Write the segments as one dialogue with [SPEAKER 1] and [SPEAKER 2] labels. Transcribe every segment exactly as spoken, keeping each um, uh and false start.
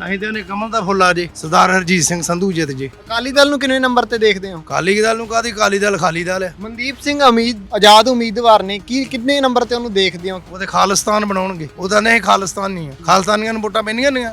[SPEAKER 1] ਅਸੀਂ ਤੇ ਉਹਨੇ ਕਮਲ ਦਾ ਫੁੱਲ ਆ ਜੇ ਸਰਦਾਰ ਹਰਜੀਤ ਸਿੰਘ ਸੰਧੂ ਜਿੱਤ ਜੇ।
[SPEAKER 2] ਅਕਾਲੀ ਦਲ ਨੂੰ ਕਿੰਨੇ ਨੰਬਰ ਤੇ ਦੇਖਦੇ ਹੋ?
[SPEAKER 1] ਅਕਾਲੀ ਦਲ ਨੂੰ ਕਾਹਦੀ, ਅਕਾਲੀ ਦਲ ਖਾਲੀ ਦਲ ਹੈ।
[SPEAKER 2] ਮਨਦੀਪ ਸਿੰਘ ਉਮੀਦ ਆਜ਼ਾਦ ਉਮੀਦਵਾਰ ਨੇ, ਕੀ ਕਿੰਨੇ ਨੰਬਰ ਤੇ ਉਹਨੂੰ ਦੇਖਦੇ ਹੋ?
[SPEAKER 1] ਉਹਦੇ ਖਾਲਿਸਤਾਨ ਬਣਾਉਣਗੇ। ਉਹਦਾ ਨਹੀਂ ਖਾਲਿਸਤਾਨ ਨਹੀਂ ਹੈ, ਖਾਲਿਸਤਾਨੀਆਂ ਨੂੰ ਵੋਟਾਂ ਪੈਣੀਆਂ ਨਹੀਂ।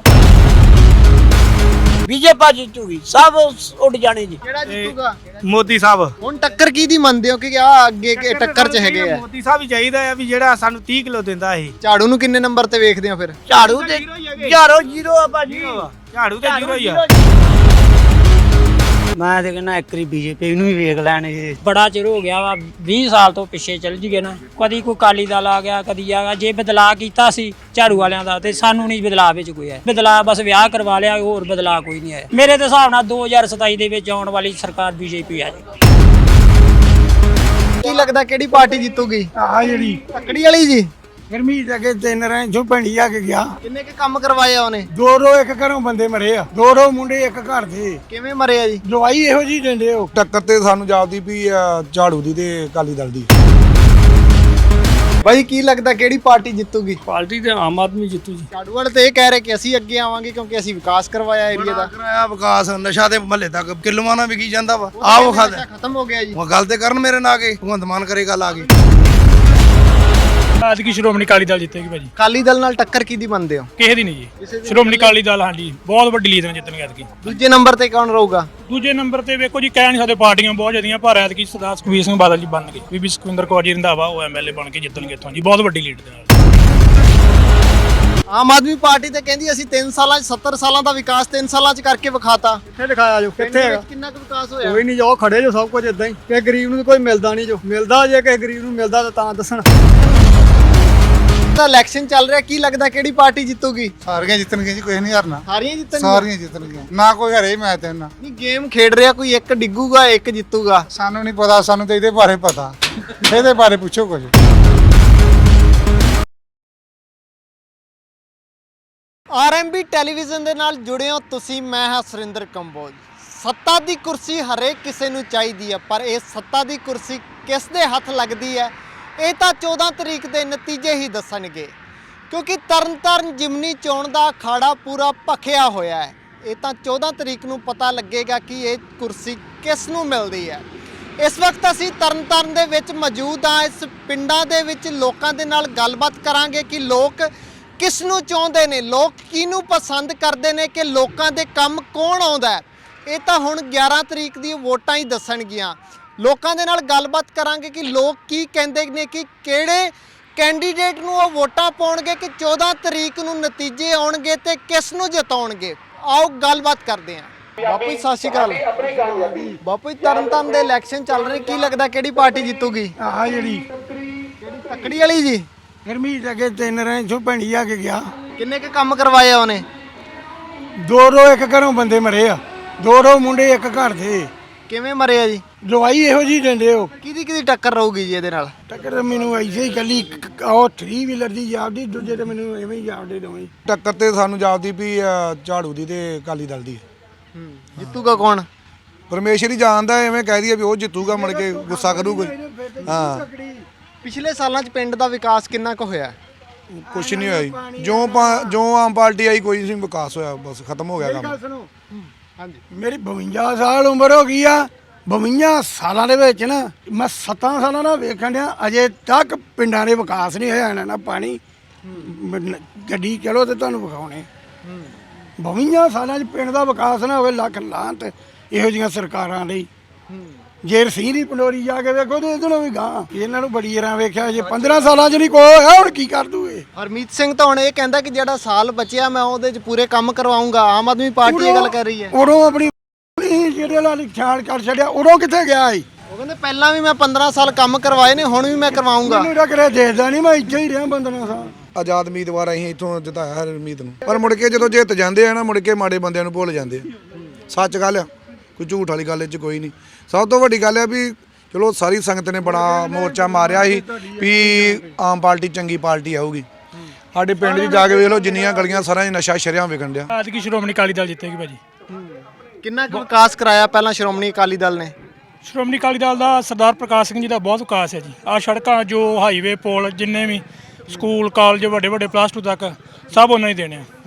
[SPEAKER 3] ਬੀਜੇਪੀ ਜਿੱਤੂਗੀ, ਸਭ ਉੱਡ ਜਾਣੇ ਜੀ।
[SPEAKER 2] ਕਿਹੜਾ ਜਿੱਤੂਗਾ?
[SPEAKER 4] ਮੋਦੀ ਸਾਹਿਬ।
[SPEAKER 2] ਹੁਣ ਟੱਕਰ ਕੀ ਦੀ ਮੰਨਦੇ ਹੋ ਕਿ ਆ ਅੱਗੇ ਕਿ ਟੱਕਰ ਚ ਹੈਗੇ ਆ?
[SPEAKER 4] ਮੋਦੀ ਸਾਹਿਬ ਹੀ ਚਾਹੀਦਾ ਆ ਵੀ ਜਿਹੜਾ ਸਾਨੂੰ ਤੀਹ ਕਿਲੋ ਦਿੰਦਾ ਇਹ।
[SPEAKER 2] ਝਾੜੂ ਨੂੰ ਕਿੰਨੇ ਨੰਬਰ ਤੇ ਵੇਖਦੇ ਹੋ ਫਿਰ?
[SPEAKER 3] ਝਾੜੂ ਤੇ ਝਾੜੂ ਜ਼ੀਰੋ ਆ ਭਾਜੀ,
[SPEAKER 4] ਝਾੜੂ ਤੇ ਜ਼ੀਰੋ ਹੀ ਆ।
[SPEAKER 3] ਮੈਂ ਤੇ ਕਹਿੰਦਾ ਇੱਕ ਵਾਰੀ ਬੀਜੇਪੀ ਨੂੰ ਵੀ ਵੇਖ ਲੈਣ। ਇਹ
[SPEAKER 5] ਬੜਾ ਚਿਰ ਹੋ ਗਿਆ ਵਾ, ਵੀਹ ਸਾਲ ਤੋਂ ਪਿੱਛੇ ਚੱਲ ਜੀਏ ਨਾ। ਕਦੀ ਕੋਈ ਅਕਾਲੀ ਦਲ ਆ ਗਿਆ, ਕਦੀ ਆ ਗਿਆ। ਜੇ ਬਦਲਾਅ ਕੀਤਾ ਸੀ ਝਾੜੂ ਵਾਲਿਆਂ ਦਾ ਤੇ ਸਾਨੂੰ ਨਹੀਂ ਬਦਲਾਅ ਵਿੱਚ ਕੋਈ ਆਇਆ। ਬਦਲਾਅ ਬਸ ਵਿਆਹ ਕਰਵਾ ਲਿਆ, ਹੋਰ ਬਦਲਾਅ ਕੋਈ ਨਹੀਂ ਆਇਆ। ਮੇਰੇ ਦੇ ਹਿਸਾਬ ਨਾਲ ਦੋ ਹਜ਼ਾਰ ਸਤਾਈ ਦੇ ਵਿੱਚ ਆਉਣ ਵਾਲੀ ਸਰਕਾਰ ਬੀਜੇਪੀ ਆ ਜੀ।
[SPEAKER 2] ਕੀ ਲੱਗਦਾ ਕਿਹੜੀ ਪਾਰਟੀ ਜਿੱਤੂਗੀ?
[SPEAKER 4] ਆ ਜਿਹੜੀ
[SPEAKER 2] ਤੱਕੜੀ ਵਾਲੀ ਜੀ।
[SPEAKER 4] ਗਰਮੀ ਦੇ ਕੇ ਤਿੰਨ ਰਾਂ ਜੋ ਪਿੰਡੀ ਆ ਕੇ ਗਿਆ।
[SPEAKER 2] ਕਿੰਨੇ ਕੇ ਕੰਮ ਕਰਵਾਏ ਆ ਉਹਨੇ?
[SPEAKER 4] ਦੋ ਰੋ ਇੱਕ ਘਰੋਂ ਬੰਦੇ ਮਰੇ ਆ, ਦੋ ਰੋ ਮੁੰਡੇ ਇੱਕ ਘਰ ਦੇ।
[SPEAKER 2] ਕਿਵੇਂ ਮਰੇ ਆ ਜੀ?
[SPEAKER 4] ਦਵਾਈ ਇਹੋ ਜੀ ਦਿੰਦੇ ਹੋ।
[SPEAKER 1] ਟੱਕਰ ਤੇ ਸਾਨੂੰ ਜਾਪਦੀ ਵੀ ਝਾੜੂ ਦੀ ਤੇ ਅਕਾਲੀ ਦਲ ਦੀ।
[SPEAKER 2] ਬਾਈ ਕੀ ਲੱਗਦਾ ਕਿਹੜੀ ਪਾਰਟੀ ਜਿੱਤੂਗੀ?
[SPEAKER 5] ਪਾਰਟੀ ਤੇ ਆਮ ਆਦਮੀ ਜਿੱਤੂ ਜੀ।
[SPEAKER 2] ਝਾੜੂ ਵਾਲੇ ਤੇ ਇਹ ਕਹਿ ਰਹੇ ਕਿ ਅਸੀਂ ਅੱਗੇ ਆਵਾਂਗੇ ਕਿਉਂਕਿ ਅਸੀਂ ਵਿਕਾਸ ਕਰਵਾਇਆ ਏਰੀਆ ਦਾ।
[SPEAKER 1] ਕਰਾਇਆ ਵਿਕਾਸ, ਨਸ਼ਾ ਤੇ ਮਹੱਲੇ ਤੱਕ ਕਿਲੋਆਂ ਨਾਲ ਵਿਕੀ ਜਾਂਦਾ ਵਾ। ਆਹ ਉਹ ਖਾਦਾ
[SPEAKER 2] ਖਤਮ ਹੋ ਗਿਆ ਜੀ।
[SPEAKER 1] ਉਹ ਗੱਲ ਤੇ ਕਰਨ ਮੇਰੇ ਨਾਲ ਆ ਕੇ ਭਗਵੰਤ ਮਾਨ ਕਰੇ ਗੱਲ ਆ ਗਈ।
[SPEAKER 6] ਅੱਜ ਕੀ ਸ਼੍ਰੋਮਣੀ ਅਕਾਲੀ ਦਲ ਜਿੱਤੇਗੀ ਭਾਜੀ।
[SPEAKER 2] ਅਕਾਲੀ ਦਲ ਨਾਲ ਟੱਕਰ ਕਿਹਦੀ ਮੰਨਦੇ ਹੋ?
[SPEAKER 6] ਕਿਸੇ ਦੀ ਨਹੀਂ ਜੀ। ਸ਼੍ਰੋਮਣੀ ਅਕਾਲੀ ਦਲ ਹਾਂਜੀ ਬਹੁਤ ਵੱਡੀ ਲੀਡ ਨਾਲ ਜਿੱਤਣਗੇ ਐਤਕੀ।
[SPEAKER 2] ਦੂਜੇ ਨੰਬਰ ਤੇ ਕੌਣ ਰਹੂਗਾ?
[SPEAKER 6] ਦੂਜੇ ਨੰਬਰ ਤੇ ਵੇਖੋ ਜੀ, ਕਹਿ ਨਹੀਂ ਸਕਦੇ, ਪਾਰਟੀਆਂ ਬਹੁਤ ਜ਼ਿਆਦੀਆਂ, ਪਰ ਐਤਕੀ ਸਰਦਾਰ ਸੁਖਬੀਰ ਸਿੰਘ ਬਾਦਲ ਜੀ ਬਣਨਗੇ। ਬੀਬੀ ਸੁਖਵਿੰਦਰ ਕੌਰ ਜੀ ਰੰਧਾਵਾ ਉਹ ਐਮਐਲਏ ਬਣ ਕੇ ਜਿੱਤਣਗੇ ਇੱਥੋਂ ਜੀ, ਬਹੁਤ ਵੱਡੀ ਲੀਡ ਦੇ ਨਾਲ।
[SPEAKER 2] ਆਮ ਆਦਮੀ ਪਾਰਟੀ ਤੇ ਕਹਿੰਦੀ ਅਸੀਂ ਤਿੰਨ ਸਾਲਾਂ 'ਚ ਸੱਤਰ ਸਾਲਾਂ ਦਾ ਵਿਕਾਸ ਤਿੰਨ ਸਾਲਾਂ 'ਚ ਕਰਕੇ ਵਿਖਾਤਾ।
[SPEAKER 4] ਕਿੱਥੇ ਦਿਖਾਇਆ ਜੋ? ਕਿੱਥੇ ਹੈਗਾ?
[SPEAKER 2] ਕਿੰਨਾ ਕੁ ਵਿਕਾਸ ਹੋਇਆ?
[SPEAKER 4] ਕੋਈ ਨਹੀਂ, ਜੋ ਖੜੇ ਜੋ ਸਭ ਕੁਝ ਇਦਾਂ ਹੀ। ਕਿ ਗਰੀਬ ਨੂੰ ਕੋਈ ਮਿਲਦਾ ਨਹੀਂ, ਜੋ ਮਿਲਦਾ ਜੇ ਕਿਸੇ ਗਰੀਬ ਨੂੰ ਮਿਲਦਾ ਤਾਂ ਤਾਂ ਦੱਸਣ।
[SPEAKER 2] ਤਾਂ ਇਲੈਕਸ਼ਨ ਚੱਲ ਰਿਹਾ, ਕੀ ਲੱਗਦਾ ਕਿਹੜੀ ਪਾਰਟੀ ਜਿੱਤੂਗੀ?
[SPEAKER 7] ਸਾਰੀਆਂ ਜਿੱਤਣਗੀਆਂ ਜੀ, ਕੋਈ ਨਹੀਂ ਹਾਰਨਾ।
[SPEAKER 2] ਸਾਰੀਆਂ ਜਿੱਤਣਗੀਆਂ?
[SPEAKER 7] ਸਾਰੀਆਂ ਜਿੱਤਣਗੀਆਂ, ਨਾ ਕੋਈ ਹਰੇ ਮੈਂ ਤੇ ਨਾ।
[SPEAKER 2] ਨਹੀਂ ਗੇਮ ਖੇਡ ਰਿਹਾ, ਕੋਈ ਇੱਕ ਡਿੱਗੂਗਾ ਇੱਕ ਜਿੱਤੂਗਾ।
[SPEAKER 7] ਸਾਨੂੰ ਨਹੀਂ ਪਤਾ, ਸਾਨੂੰ ਤਾਂ ਇਹਦੇ ਬਾਰੇ ਪਤਾ। ਇਹਦੇ ਬਾਰੇ ਪੁੱਛੋ ਕੁਝ।
[SPEAKER 2] ਆਰਐਮਬੀ ਟੈਲੀਵਿਜ਼ਨ ਦੇ ਨਾਲ ਜੁੜੇ ਹੋ ਤੁਸੀਂ, ਮੈਂ ਹਾਂ ਸੁਰਿੰਦਰ ਕੰਬੋਜ। ਸੱਤਾ ਦੀ ਕੁਰਸੀ ਹਰੇਕ ਕਿਸੇ ਨੂੰ ਚਾਹੀਦੀ ਹੈ, ਪਰ ਇਹ ਸੱਤਾ ਦੀ ਕੁਰਸੀ ਕਿਸ ਦੇ ਹੱਥ ਲੱਗਦੀ ਹੈ ਇਹ ਤਾਂ ਚੌਦਾਂ ਤਰੀਕ ਦੇ ਨਤੀਜੇ ਹੀ ਦੱਸਣਗੇ, ਕਿਉਂਕਿ ਤਰਨਤਾਰਨ ਜਿਮਨੀ ਚੋਣ ਦਾ ਅਖਾੜਾ ਪੂਰਾ ਭਖਿਆ ਹੋਇਆ ਹੈ। ਇਹ ਤਾਂ ਚੌਦਾਂ ਤਰੀਕ ਨੂੰ ਪਤਾ ਲੱਗੇਗਾ ਕਿ ਇਹ ਕੁਰਸੀ ਕਿਸ ਨੂੰ ਮਿਲਦੀ ਹੈ। ਇਸ ਵਕਤ ਅਸੀਂ ਤਰਨਤਾਰਨ ਦੇ ਵਿੱਚ ਮੌਜੂਦ ਹਾਂ। ਇਸ ਪਿੰਡਾਂ ਦੇ ਵਿੱਚ ਲੋਕਾਂ ਦੇ ਨਾਲ ਗੱਲਬਾਤ ਕਰਾਂਗੇ ਕਿ ਲੋਕ ਕਿਸ ਨੂੰ ਚਾਹੁੰਦੇ ਨੇ, ਲੋਕ ਕਿਹਨੂੰ ਪਸੰਦ ਕਰਦੇ ਨੇ, ਕਿ ਲੋਕਾਂ ਦੇ ਕੰਮ ਕੌਣ ਆਉਂਦਾ ਹੈ। ਇਹ ਤਾਂ ਹੁਣ ਗਿਆਰਾਂ ਤਰੀਕ ਦੀ ਵੋਟਾਂ ਹੀ ਦੱਸਣਗੀਆਂ। ਲੋਕਾਂ ਦੇ ਨਾਲ ਗੱਲਬਾਤ ਕਰਾਂਗੇ ਕਿ ਲੋਕ ਕੀ ਕਹਿੰਦੇ ਨੇ, ਕਿ ਕਿਹੜੇ ਕੈਂਡੀਡੇਟ ਨੂੰ ਉਹ ਵੋਟਾਂ ਪਾਉਣਗੇ, ਕਿ ਚੌਦਾਂ ਤਰੀਕ ਨੂੰ ਨਤੀਜੇ ਆਉਣਗੇ ਤੇ ਕਿਸ ਨੂੰ ਜਿਤਾਉਣਗੇ। ਆਓ ਗੱਲਬਾਤ ਕਰਦੇ ਹਾਂ। ਬਾਪੂ ਜੀ ਸਤਿ ਸ਼੍ਰੀ ਅਕਾਲ। ਬਾਪੂ ਜੀ ਤਰਨਤਾਰਨ ਦੇ ਇਲੈਕਸ਼ਨ ਚੱਲ ਰਹੇ, ਕੀ ਲੱਗਦਾ ਕਿਹੜੀ ਪਾਰਟੀ ਜਿੱਤੂਗੀ?
[SPEAKER 4] ਆ ਜਿਹੜੀ
[SPEAKER 2] ਕਿਹੜੀ ਤੱਕੜੀ ਵਾਲੀ ਜੀ।
[SPEAKER 4] ਗਰਮੀ ਦੇ ਕੇ ਤਿੰਨ ਰਾਂ ਜੋ ਪਿੰਡੀ ਆ ਕੇ ਗਿਆ।
[SPEAKER 2] ਕਿੰਨੇ ਕੁ ਕੰਮ ਕਰਵਾਏ ਆ ਉਹਨੇ?
[SPEAKER 4] ਦੋ ਰੋ ਇੱਕ ਘਰੋਂ ਬੰਦੇ ਮਰੇ ਆ, ਦੋ ਰੋ ਮੁੰਡੇ ਇੱਕ ਘਰ ਦੇ।
[SPEAKER 2] ਕਿਵੇਂ ਮਰੇ ਆ ਜੀ?
[SPEAKER 4] ਦਵਾਈ ਇਹੋ ਜੀ ਦਿੰਦੇ ਹੋ।
[SPEAKER 2] ਕਿਹਦੀ ਕਿਹਦੀ ਟੱਕਰ ਰਹੂਗੀ ਜੀ ਇਹਦੇ ਨਾਲ?
[SPEAKER 4] ਟੱਕਰ ਮੈਨੂੰ ਐਸੇ ਹੀ ਕੱਲੀ ਉਹ ਥਰੀ ਵੀਲਰ ਦੀ ਜਾਪਦੀ, ਦੂਜੇ ਤੇ ਮੈਨੂੰ ਐਵੇਂ ਹੀ ਜਾਪਦੇ ਦੋਵੇਂ।
[SPEAKER 1] ਟੱਕਰ ਤੇ ਸਾਨੂੰ ਜਾਪਦੀ ਵੀ ਝਾੜੂ ਦੀ ਤੇ ਅਕਾਲੀ ਦਲ ਦੀ।
[SPEAKER 2] ਹੂੰ ਜਿੱਤੂਗਾ ਕੌਣ?
[SPEAKER 1] ਪਰਮੇਸ਼ਰ ਹੀ ਜਾਣਦਾ, ਐਵੇਂ ਕਹਿ ਦਈਏ ਵੀ ਉਹ ਜਿੱਤੂਗਾ, ਮੁੜ ਕੇ ਗੁੱਸਾ ਕਰੂਗਾ। ਹਾਂ
[SPEAKER 2] ਪਿਛਲੇ ਸਾਲਾਂ 'ਚ ਪਿੰਡ ਦਾ ਵਿਕਾਸ ਕਿੰਨਾ ਕੁ ਹੋਇਆ?
[SPEAKER 1] ਕੁਛ ਨਹੀਂ ਹੋਇਆ ਜੀ। ਜੋ ਪਾ- ਜੋ ਆਮ ਪਾਰਟੀ ਆਈ ਕੋਈ ਨਹੀਂ ਵਿਕਾਸ ਹੋਇਆ, ਬਸ ਖਤਮ ਹੋ ਗਿਆ ਕੰਮ।
[SPEAKER 4] ਸੁਣੋ, ਹਾਂਜੀ ਮੇਰੀ ਬਵੰਜਾ ਸਾਲ ਉਮਰ ਹੋ ਗਈ ਆ। ਬਵੰਜਾ ਸਾਲਾਂ ਦੇ ਵਿੱਚ ਨਾ ਮੈਂ ਸੱਤਾਂ ਸਾਲਾਂ ਦਾ ਵੇਖਣ ਡਿਆ, ਅਜੇ ਤੱਕ ਪਿੰਡਾਂ ਦੇ ਵਿਕਾਸ ਨਹੀਂ ਹੋਇਆ। ਇਹਨਾਂ ਨਾਲ ਪਾਣੀ ਗੱਡੀ ਚਲੋ ਤੇ ਤੁਹਾਨੂੰ ਵਿਖਾਉਣੇ। ਬਵੰਜਾ ਸਾਲਾਂ 'ਚ ਪਿੰਡ ਦਾ ਵਿਕਾਸ ਨਾ ਹੋਵੇ, ਲੱਖ ਲਾਂਤ ਇਹੋ ਜਿਹੀਆਂ ਸਰਕਾਰਾਂ ਲਈ। ਜੇ ਰਸੀਂ ਦੀ ਪਲੋਰੀ ਜਾ ਕੇ ਵੇਖੋ ਤੇ ਇਹਦੋਂ ਵੀ ਗਾਂ। ਇਹਨਾਂ ਨੂੰ ਬੜੀ ਰਾਂ ਵੇਖਿਆ, ਜੇ ਪੰਦਰਾਂ ਸਾਲਾਂ 'ਚ ਨਹੀਂ ਕੋਈ ਹੋਇਆ, ਹੁਣ ਕੀ ਕਰ ਦੂਏ।
[SPEAKER 2] ਹਰਮੀਤ ਸਿੰਘ ਤਾਂ ਹੁਣ ਇਹ ਕਹਿੰਦਾ ਕਿ ਜਿਹੜਾ ਸਾਲ ਬਚਿਆ ਮੈਂ ਉਹਦੇ 'ਚ ਪੂਰੇ ਕੰਮ ਕਰਵਾਉਂਗਾ। ਆਮ ਆਦਮੀ ਪਾਰਟੀ ਇਹ ਗੱਲ ਕਰ ਰਹੀ ਹੈ।
[SPEAKER 4] ਉਦੋਂ ਆਪਣੀ ਜਿਹੜੇ ਨਾਲ ਖਿਆਲ ਕਰ ਛੱਡਿਆ, ਉਦੋਂ ਕਿੱਥੇ ਗਿਆ ਸੀ?
[SPEAKER 2] ਉਹ ਕਹਿੰਦੇ ਪਹਿਲਾਂ ਵੀ ਮੈਂ ਪੰਦਰਾਂ ਸਾਲ ਕੰਮ ਕਰਵਾਏ ਨੇ, ਹੁਣ ਵੀ ਮੈਂ ਕਰਵਾਉਂਗਾ।
[SPEAKER 4] ਮੈਨੂੰ ਤਾਂ ਕਰੇ ਦੇਖਦਾ ਨਹੀਂ, ਮੈਂ ਇੱਥੇ ਹੀ ਰਿਹਾ ਪੰਦਰਾਂ ਸਾਲ।
[SPEAKER 1] ਆਜ਼ਾਦ ਉਮੀਦਵਾਰ ਅਸੀਂ ਇੱਥੋਂ ਜਿਤਾਇਆ ਹਰਮੀਤ ਨੂੰ, ਪਰ ਮੁੜ ਕੇ ਜਦੋਂ ਜਿੱਤ ਜਾਂਦੇ ਆ ਨਾ, ਮੁੜ ਕੇ ਮਾੜੇ ਬੰਦਿਆਂ ਨੂੰ ਭੁੱਲ ਜਾਂਦੇ ਆ। ਸੱਚ ਗੱਲ ਆ, ਕੋਈ ਝੂਠ ਵਾਲੀ ਗੱਲ ਇਹ 'ਚ ਕੋਈ ਨਹੀਂ। ਸਭ ਤੋਂ ਵੱਡੀ ਗੱਲ ਆ ਵੀ ਚਲੋ ਸਾਰੀ ਸੰਗਤ ਨੇ ਬੜਾ ਮੋਰਚਾ ਮਾਰਿਆ ਸੀ ਵੀ ਆਮ ਪਾਰਟੀ ਚੰਗੀ ਪਾਰਟੀ ਆਊਗੀ। ਸਾਡੇ ਪਿੰਡ 'ਚ ਜਾ ਕੇ ਵੇਖ ਲਓ, ਜਿੰਨੀਆਂ ਗਲੀਆਂ ਸਾਰਿਆਂ 'ਚ ਨਸ਼ਾ ਸ਼ਰਿਆਂ ਵਿਕਣ ਡਿਆ।
[SPEAKER 6] ਅੱਜ ਕੀ ਸ਼੍ਰੋਮਣੀ ਅਕਾਲੀ ਦਲ ਜਿੱਤੇਗੀ ਭਾਜੀ।
[SPEAKER 2] ਕਿੰਨਾ ਕੁ ਵਿਕਾਸ ਕਰਾਇਆ ਪਹਿਲਾਂ ਸ਼੍ਰੋਮਣੀ ਅਕਾਲੀ ਦਲ ਨੇ?
[SPEAKER 6] ਸ਼੍ਰੋਮਣੀ ਅਕਾਲੀ ਦਲ ਦਾ ਸਰਦਾਰ ਪ੍ਰਕਾਸ਼ ਸਿੰਘ ਜੀ ਦਾ ਬਹੁਤ ਵਿਕਾਸ ਹੈ ਜੀ। ਆਹ ਸੜਕਾਂ, ਜੋ ਹਾਈਵੇ, ਪੁਲ, ਜਿੰਨੇ ਵੀ ਸਕੂਲ, ਕਾਲਜ, ਵੱਡੇ ਵੱਡੇ ਪਲੱਸ ਟੂ ਤੱਕ ਸਭ ਉਹਨਾਂ ਹੀ ਦੇਣੇ ਆ।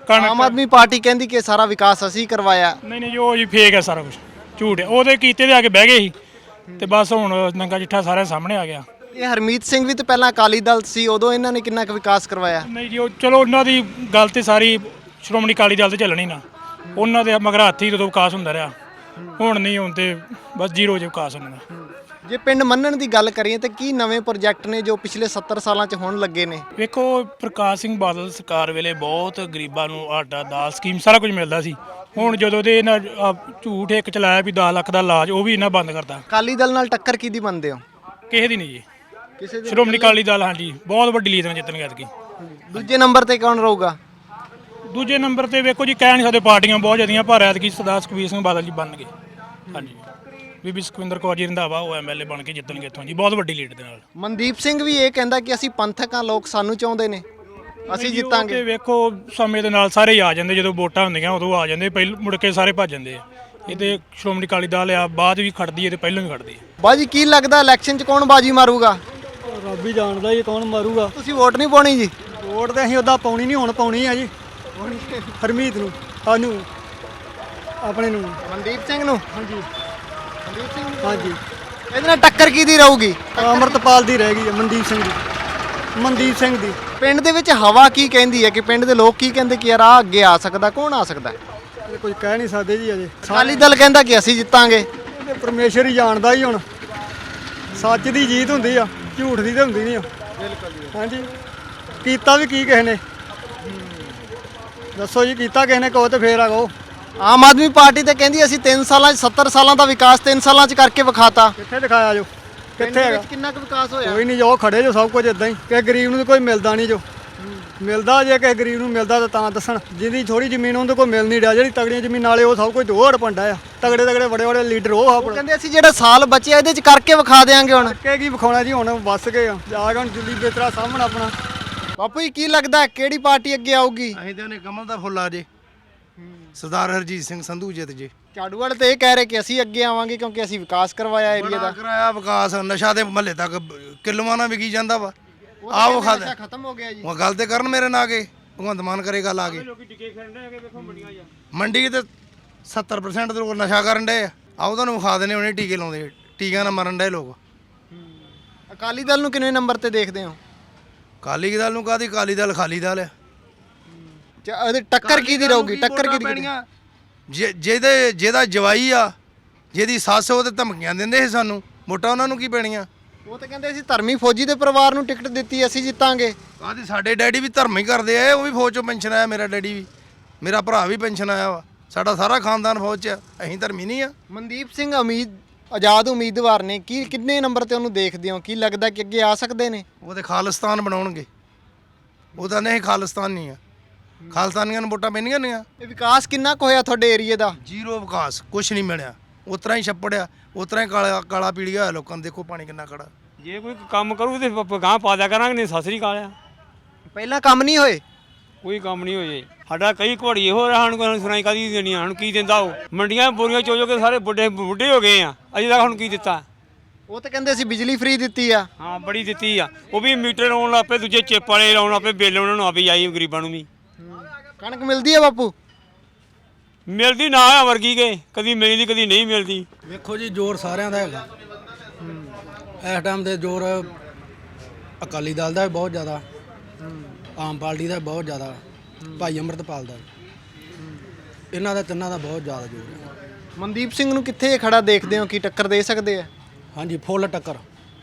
[SPEAKER 6] ਕਣਕ
[SPEAKER 2] ਆਮ ਆਦਮੀ ਪਾਰਟੀ ਕਹਿੰਦੀ ਕਿ ਸਾਰਾ ਵਿਕਾਸ ਅਸੀਂ ਕਰਵਾਇਆ।
[SPEAKER 6] ਨਹੀਂ ਨਹੀਂ ਜੀ, ਉਹ ਜੀ ਫੇਕ ਹੈ ਸਾਰਾ ਕੁਝ, ਝੂਠ ਹੈ। ਉਹਦੇ ਕੀਤੇ ਤੇ ਆ ਕੇ ਬਹਿ ਗਏ ਸੀ ਤੇ ਬਸ ਹੁਣ ਨੰਗਾ ਚਿੱਠਾ ਸਾਰਿਆਂ ਸਾਹਮਣੇ ਆ ਗਿਆ।
[SPEAKER 2] ਇਹ ਹਰਮੀਤ ਸਿੰਘ ਵੀ ਤਾਂ ਪਹਿਲਾਂ ਅਕਾਲੀ ਦਲ ਸੀ, ਉਦੋਂ ਇਹਨਾਂ ਨੇ ਕਿੰਨਾ ਕੁ ਵਿਕਾਸ ਕਰਵਾਇਆ।
[SPEAKER 6] ਨਹੀਂ ਜੀ, ਉਹ ਚਲੋ ਉਹਨਾਂ ਦੀ ਗੱਲ ਤੇ ਸਾਰੀ ਸ਼੍ਰੋਮਣੀ ਅਕਾਲੀ ਦਲ ਤੇ ਚੱਲਣੀ ਨਾ, ਉਹਨਾਂ ਦੇ ਮਗਰ ਹੱਥ ਹੀ ਜਦੋਂ ਵਿਕਾਸ ਹੁੰਦਾ ਰਿਹਾ। ਹੁਣ ਨਹੀਂ, ਹੁਣ ਤੇ ਬਸ ਜ਼ੀਰੋ ਜੇ ਵਿਕਾਸ ਹੁੰਦਾ।
[SPEAKER 2] ਜੇ ਪਿੰਡ ਮੰਨਣ ਦੀ ਗੱਲ ਕਰੀਏ ਤਾਂ ਕੀ ਨਵੇਂ ਪ੍ਰੋਜੈਕਟ ਨੇ ਜੋ ਪਿਛਲੇ ਸੱਤਰ ਸਾਲਾਂ 'ਚ ਹੋਣ ਲੱਗੇ ਨੇ?
[SPEAKER 6] ਵੇਖੋ, ਪ੍ਰਕਾਸ਼ ਸਿੰਘ ਬਾਦਲ ਸਰਕਾਰ ਵੇਲੇ ਬਹੁਤ ਗਰੀਬਾਂ ਨੂੰ ਆਟਾ ਦਾਲ ਸਕੀਮ ਸਾਰਾ ਕੁਝ ਮਿਲਦਾ ਸੀ। ਹੁਣ ਜਦੋਂ ਦੇ ਇਹਨਾਂ ਆਹ ਝੂਠ ਇੱਕ ਚਲਾਇਆ ਵੀ ਦਸ ਲੱਖ ਦਾ ਇਲਾਜ, ਉਹ ਵੀ ਇਹਨਾਂ ਬੰਦ ਕਰਤਾ।
[SPEAKER 2] ਅਕਾਲੀ ਦਲ ਨਾਲ ਟੱਕਰ ਕਿਹਦੀ ਮੰਨਦੇ ਹੋ?
[SPEAKER 6] ਕਿਸੇ ਦੀ ਨਹੀਂ ਜੀ,
[SPEAKER 2] ਕਿਸੇ ਦੀ?
[SPEAKER 6] ਸ਼੍ਰੋਮਣੀ ਅਕਾਲੀ ਦਲ ਹਾਂਜੀ ਬਹੁਤ ਵੱਡੀ ਲੀਡ ਨਾਲ ਜਿੱਤਣਗੇ ਐਤਕੀ।
[SPEAKER 2] ਦੂਜੇ ਨੰਬਰ ਤੇ ਕੌਣ ਰਹੂਗਾ?
[SPEAKER 6] ਦੂਜੇ ਨੰਬਰ ਤੇ ਵੇਖੋ ਜੀ, ਕਹਿ ਨਹੀਂ ਸਕਦੇ, ਪਾਰਟੀਆਂ ਬਹੁਤ ਜ਼ਿਆਦੀਆਂ, ਪਰ ਐਤਕੀ ਸਰਦਾਰ ਸੁਖਬੀਰ ਸਿੰਘ ਬਾਦਲ ਜੀ ਬਣਨਗੇ। ਹਾਂਜੀ, ਬੀਬੀ ਸੁਖਵਿੰਦਰ ਕੌਰ ਜੀ ਰੰਧਾਵਾ ਉਹ ਐਮਐਲਏ ਬਣ ਕੇ ਜਿੱਤਣਗੇ ਇੱਥੋਂ ਜੀ, ਬਹੁਤ ਵੱਡੀ ਲੀਡ ਦੇ ਨਾਲ।
[SPEAKER 2] ਮਨਦੀਪ ਸਿੰਘ ਵੀ ਇਹ ਕਹਿੰਦਾ ਕਿ ਅਸੀਂ ਪੰਥਕ ਹਾਂ, ਲੋਕ ਸਾਨੂੰ ਚਾਹੁੰਦੇ ਨੇ, ਅਸੀਂ
[SPEAKER 6] ਜੀ, ਉਹ
[SPEAKER 2] ਜਿੱਤਾਂਗੇ।
[SPEAKER 6] ਤੇ ਵੇਖੋ ਸਮੇਂ ਦੇ ਨਾਲ ਸਾਰੇ ਹੀ ਆ ਜਾਂਦੇ, ਜਦੋਂ ਵੋਟਾਂ ਹੁੰਦੀਆਂ ਉਦੋਂ ਆ ਜਾਂਦੇ, ਪਹਿਲ ਮੁੜ ਕੇ ਸਾਰੇ ਭੱਜ ਜਾਂਦੇ ਆ। ਇਹ ਤੇ ਸ਼੍ਰੋਮਣੀ ਅਕਾਲੀ ਦਲ ਆ, ਬਾਅਦ ਵੀ ਖੜਦੀ ਹੈ ਤੇ ਪਹਿਲਾਂ ਵੀ ਖੜਦੀ ਹੈ।
[SPEAKER 2] ਬਾਜੀ ਕੀ ਲੱਗਦਾ ਇਲੈਕਸ਼ਨ 'ਚ ਕੌਣ ਬਾਜੀ ਮਾਰੂਗਾ?
[SPEAKER 8] ਰੱਬ ਹੀ ਜਾਣਦਾ ਜੀ ਕੌਣ ਮਾਰੂਗਾ।
[SPEAKER 2] ਤੁਸੀਂ ਵੋਟ ਨਹੀਂ ਪਾਉਣੀ ਜੀ?
[SPEAKER 8] ਵੋਟ ਤੇ ਅਸੀਂ ਉਦਾਂ ਪਾਉਣੀ ਨਹੀਂ, ਹੁਣ ਪਾਉਣੀ ਆ ਜੀ ਹਰਮੀਤ ਨੂੰ, ਸਾਨੂੰ ਆਪਣੇ ਨੂੰ।
[SPEAKER 2] ਮਨਦੀਪ ਸਿੰਘ ਨੂੰ?
[SPEAKER 8] ਹਾਂਜੀ
[SPEAKER 2] ਮਨਦੀਪ ਸਿੰਘ ਨੂੰ?
[SPEAKER 8] ਹਾਂਜੀ।
[SPEAKER 2] ਇਹਦੇ ਨਾਲ ਟੱਕਰ ਕਿਹਦੀ ਰਹੂਗੀ?
[SPEAKER 8] ਅਮਰਤਪਾਲ ਦੀ ਰਹਿ ਗਈ ਹੈ, ਮਨਦੀਪ ਸਿੰਘ ਦੀ, ਮਨਦੀਪ ਸਿੰਘ ਦੀ।
[SPEAKER 2] ਪਿੰਡ ਦੇ ਵਿੱਚ ਹਵਾ ਕੀ ਕਹਿੰਦੀ ਹੈ, ਕਿ ਪਿੰਡ ਦੇ ਲੋਕ ਕੀ ਕਹਿੰਦੇ ਕਿ ਯਾਰ ਆ ਅੱਗੇ ਆ ਸਕਦਾ, ਕੌਣ ਆ ਸਕਦਾ?
[SPEAKER 8] ਇਹ ਕੁਝ ਕਹਿ ਨਹੀਂ ਸਕਦੇ ਜੀ ਅਜੇ।
[SPEAKER 2] ਅਕਾਲੀ ਦਲ ਕਹਿੰਦਾ ਕਿ ਅਸੀਂ ਜਿੱਤਾਂਗੇ।
[SPEAKER 8] ਇਹ ਪਰਮੇਸ਼ਰ ਹੀ ਜਾਣਦਾ ਹੀ ਹੁਣ, ਸੱਚ ਦੀ ਜੀਤ ਹੁੰਦੀ ਆ, ਝੂਠ ਦੀ ਤਾਂ ਹੁੰਦੀ ਨਹੀਂ ਆ। ਬਿਲਕੁਲ ਜੀ। ਹਾਂਜੀ, ਕੀਤਾ ਵੀ ਕੀ ਕਿਸੇ ਨੇ, ਦੱਸੋ ਜੀ, ਕੀਤਾ ਕਿਸੇ ਨੇ ਕਹੋ ਤੇ ਫੇਰ ਆ ਕਹੋ।
[SPEAKER 2] ਆਮ ਆਦਮੀ ਪਾਰਟੀ ਤੇ ਕਹਿੰਦੀ ਅਸੀਂ ਤਿੰਨ ਸਾਲਾਂ 'ਚ ਸੱਤਰ ਸਾਲਾਂ ਦਾ ਵਿਕਾਸ ਤਿੰਨ ਸਾਲਾਂ 'ਚ ਕਰਕੇ ਵਿਖਾਤਾ।
[SPEAKER 8] ਕਿੱਥੇ ਦਿਖਾਇਆ ਜੋ, ਕਿੱਥੇ ਹੈਗਾ?
[SPEAKER 2] ਕਿੰਨਾ ਕੁ ਵਿਕਾਸ ਹੋਇਆ?
[SPEAKER 8] ਕੋਈ ਨਹੀਂ, ਜੋ ਖੜੇ ਜੋ ਸਭ ਕੁਝ ਇਦਾਂ ਹੀ। ਕਿਸੇ ਗਰੀਬ ਨੂੰ ਤਾਂ ਕੋਈ ਮਿਲਦਾ ਨਹੀਂ, ਜੋ ਮਿਲਦਾ ਜੇ ਕਿਸੇ ਗਰੀਬ ਨੂੰ ਮਿਲਦਾ ਤਾਂ ਤਾਂ ਦੱਸਣ। ਜਿਹਦੀ ਥੋੜੀ ਜ਼ਮੀਨ ਉਹਦੇ ਕੋਲ ਮਿਲ ਨਹੀਂ ਰਿਹਾ, ਜਿਹੜੀ ਤਗੜੀਆਂ ਜ਼ਮੀਨ ਵਾਲੇ ਉਹ ਸਭ ਕੁਝ ਹੋਰ ਪੰਡਾ ਆ। ਤਗੜੇ ਤਗੜੇ ਬੜੇ ਬੜੇ ਲੀਡਰ ਉਹ ਆ।
[SPEAKER 2] ਕਹਿੰਦੇ ਅਸੀਂ ਜਿਹੜਾ ਸਾਲ ਬਚਿਆ ਇਹਦੇ 'ਚ ਕਰਕੇ ਵਿਖਾ ਦੇਾਂਗੇ। ਹੁਣ
[SPEAKER 8] ਕਿ ਕੀ ਵਿਖਾਉਣਾ ਜੀ, ਹੁਣ ਵੱਸ ਗਏ ਆ, ਜਾ ਕੇ ਹੁਣ ਦਿੱਲੀ ਬੇਤਰਾ ਸਾਹਮਣਾ ਆਪਣਾ।
[SPEAKER 2] ਬਾਪੂ ਜੀ ਕੀ ਲੱਗਦਾ ਕਿਹੜੀ ਪਾਰਟੀ ਅੱਗੇ ਆਊਗੀ?
[SPEAKER 4] ਅਸੀਂ ਤੇ ਉਹਨੇ ਕਮਲ ਦਾ ਫੁੱਲ ਆ ਜੇ, ਸਰਦਾਰ ਹਰਜੀਤ ਸਿੰਘ ਸੰਧੂ ਜਿੱਤ ਜੇ।
[SPEAKER 2] ਝਾੜੂ ਵਾਲੇ ਤੇ ਇਹ ਕਹਿ ਰਹੇ ਕਿ ਅਸੀਂ ਅੱਗੇ ਆਵਾਂਗੇ ਕਿਉਂਕਿ ਅਸੀਂ ਵਿਕਾਸ ਕਰਵਾਇਆ ਏਰੀਆ
[SPEAKER 4] ਬੜਾ
[SPEAKER 2] ਦਾ।
[SPEAKER 4] ਕਰਾਇਆ ਵਿਕਾਸ, ਨਸ਼ਾ ਦੇ ਮਹੱਲੇ ਤੱਕ ਕਿਲੋਆਂ ਨਾਲ ਵਿਕੀ ਜਾਂਦਾ ਵਾ। ਆਹ ਉਹ ਖਾਦ
[SPEAKER 2] ਨਸ਼ਾ ਖਤਮ ਹੋ ਗਿਆ ਜੀ।
[SPEAKER 4] ਉਹ ਗੱਲ ਤੇ ਕਰਨ ਮੇਰੇ ਨਾਲ ਆ ਕੇ, ਭਗਵੰਤ ਮਾਨ ਕਰੇ ਗੱਲ ਆ ਕੇ। ਮੰਡੀ ਤੇ ਸੱਤਰ ਪਰਸੈਂਟ ਦੇ ਲੋਕ ਨਸ਼ਾ ਕਰਨ ਡਏ ਆ। ਆਹ ਤੁਹਾਨੂੰ ਵਿਖਾ ਦੇਣੇ, ਉਹਨੇ ਟੀਕੇ ਲਾਉਂਦੇ, ਟੀਕਿਆਂ ਨਾਲ ਮਰਨ ਡਏ ਲੋਕ।
[SPEAKER 2] ਅਕਾਲੀ ਦਲ ਨੂੰ ਕਿੰਨੇ ਨੰਬਰ ਤੇ ਦੇਖਦੇ ਹੋ?
[SPEAKER 4] ਅਕਾਲੀ ਦਲ ਨੂੰ ਕਾਹਦੀ, ਅਕਾਲੀ ਦਲ ਖਾਲੀ ਦਲ ਆ।
[SPEAKER 2] ਚ- ਇਹਦੀ ਟੱਕਰ ਕਿਹਦੀ ਰਹੂਗੀ? ਟੱਕਰ ਕਿਹਦੀ ਕਿਹਦੀ?
[SPEAKER 4] ਜੇ ਜਿਹਦੇ ਜਿਹਦਾ ਜਵਾਈ ਆ, ਜਿਹਦੀ ਸੱਸ, ਉਹ ਤੇ ਧਮਕੀਆਂ ਦਿੰਦੇ ਸੀ ਸਾਨੂੰ, ਵੋਟਾਂ ਉਹਨਾਂ ਨੂੰ ਕੀ ਪੈਣੀਆਂ?
[SPEAKER 2] ਉਹ ਤਾਂ ਕਹਿੰਦੇ ਅਸੀਂ ਧਰਮੀ ਫੌਜੀ ਦੇ ਪਰਿਵਾਰ ਨੂੰ ਟਿਕਟ ਦਿੱਤੀ, ਅਸੀਂ ਜਿੱਤਾਂਗੇ।
[SPEAKER 4] ਕਾਹਦੀ, ਸਾਡੇ ਡੈਡੀ ਵੀ ਧਰਮ ਹੀ ਕਰਦੇ ਆ, ਉਹ ਵੀ ਫੌਜ ਚੋਂ ਪੈਨਸ਼ਨ ਆਇਆ, ਮੇਰਾ ਡੈਡੀ ਵੀ, ਮੇਰਾ ਭਰਾ ਵੀ ਪੈਨਸ਼ਨ ਆਇਆ ਵਾ, ਸਾਡਾ ਸਾਰਾ ਖਾਨਦਾਨ ਫੌਜ 'ਚ ਆ, ਅਸੀਂ ਧਰਮੀ ਨਹੀਂ ਆ।
[SPEAKER 2] ਮਨਦੀਪ ਸਿੰਘ ਉਮੀਦ ਆਜ਼ਾਦ ਉਮੀਦਵਾਰ ਨੇ, ਕੀ ਕਿੰਨੇ ਨੰਬਰ ਤੇ ਉਹਨੂੰ ਦੇਖਦੇ ਹੋ? ਕੀ ਲੱਗਦਾ ਕਿ ਅੱਗੇ ਆ ਸਕਦੇ ਨੇ?
[SPEAKER 4] ਉਹ ਤੇ ਖਾਲਿਸਤਾਨ ਬਣਾਉਣਗੇ, ਉਹ ਤਾਂ ਨਹੀਂ ਖਾਲਿਸਤਾਨ ਨਹੀਂ ਆ, ਖਾਲਿਸਤਾਨੀਆਂ ਨੂੰ ਵੋਟਾਂ ਪੈਣੀਆਂ ਨਹੀਂ ਆ।
[SPEAKER 2] ਇਹ ਵਿਕਾਸ ਕਿੰਨਾ ਕੁ ਹੋਇਆ ਤੁਹਾਡੇ ਏਰੀਏ ਦਾ?
[SPEAKER 4] ਜ਼ੀਰੋ ਵਿਕਾਸ, ਕੁਛ ਨਹੀਂ ਮਿਲਿਆ, ਉਸ ਤਰ੍ਹਾਂ ਹੀ ਛੱਪੜਿਆ, ਉਸ ਤਰ੍ਹਾਂ ਹੀ ਕਾਲਾ ਕਾਲਾ ਪੀੜੀਆ ਹੋਇਆ ਲੋਕਾਂ ਨੂੰ। ਦੇਖੋ ਪਾਣੀ ਕਿੰਨਾ ਖੜਾ।
[SPEAKER 9] ਜੇ ਕੋਈ ਕੰਮ ਕਰੂ ਤੇ ਗਾਂ ਪਾ ਦਿਆ ਕਰਾਂਗੇ, ਨਹੀਂ ਸਤਿ ਸ੍ਰੀ ਅਕਾਲ ਆ।
[SPEAKER 2] ਪਹਿਲਾਂ ਕੰਮ ਨਹੀਂ ਹੋਏ?
[SPEAKER 9] ਕੋਈ ਕੰਮ ਨਹੀਂ ਹੋਏ ਸਾਡਾ, ਕਈ ਘੋੜੀ ਹੋ ਰਿਹਾ, ਹੁਣ ਕੋਈ ਸੁਣਾਈ ਕਾਦੀ ਦੇਣੀ, ਹੁਣ ਕੀ ਦਿੰਦਾ ਉਹ? ਮੰਡੀਆਂ ਬੋਰੀਆਂ ਚੋ ਚੋ ਕੇ ਸਾਰੇ ਬੁੱਢੇ ਬੁੱਢੇ ਹੋ ਗਏ ਆ, ਅਜੇ ਤੱਕ ਹੁਣ ਕੀ ਦਿੱਤਾ?
[SPEAKER 2] ਉਹ ਤਾਂ ਕਹਿੰਦੇ ਅਸੀਂ ਬਿਜਲੀ ਫ੍ਰੀ ਦਿੱਤੀ ਆ।
[SPEAKER 9] ਹਾਂ, ਬੜੀ ਦਿੱਤੀ ਆ, ਉਹ ਵੀ ਮੀਟਰ ਲਾਉਣ ਲੱਗ ਪਏ, ਦੂਜੇ ਚਿੱਪ ਵਾਲੇ ਲਾਉਣ ਲੱਗ ਪਏ, ਬਿੱਲ ਉਹਨਾਂ ਨੂੰ ਆਪੇ ਆਈ ਗਰੀਬਾਂ ਨੂੰ ਵੀ।
[SPEAKER 2] ਕਣਕ ਮਿਲਦੀ ਆ ਬਾਪੂ?
[SPEAKER 9] ਮਿਲਦੀ ਨਾ ਆ ਵਰਗੀ ਕੇ, ਕਦੀ ਮਿਲਦੀ ਕਦੀ ਨਹੀਂ ਮਿਲਦੀ।
[SPEAKER 10] ਵੇਖੋ ਜੀ, ਜ਼ੋਰ ਸਾਰਿਆਂ ਦਾ ਹੈਗਾ ਇਸ ਟਾਈਮ ਦੇ। ਜ਼ੋਰ ਅਕਾਲੀ ਦਲ ਦਾ ਵੀ ਬਹੁਤ ਜ਼ਿਆਦਾ, ਆਮ ਪਾਰਟੀ ਦਾ ਵੀ ਬਹੁਤ ਜ਼ਿਆਦਾ, ਭਾਈ ਅੰਮ੍ਰਿਤਪਾਲ ਦਾ, ਇਹਨਾਂ ਦਾ ਤਿੰਨਾਂ ਦਾ ਬਹੁਤ ਜ਼ਿਆਦਾ ਜ਼ੋਰ ਹੈ।
[SPEAKER 2] ਮਨਦੀਪ ਸਿੰਘ ਨੂੰ ਕਿੱਥੇ ਖੜਾ ਦੇਖਦੇ ਹੋ, ਕੀ ਟੱਕਰ ਦੇ ਸਕਦੇ ਆ?
[SPEAKER 10] ਹਾਂਜੀ, ਫੁੱਲ ਟੱਕਰ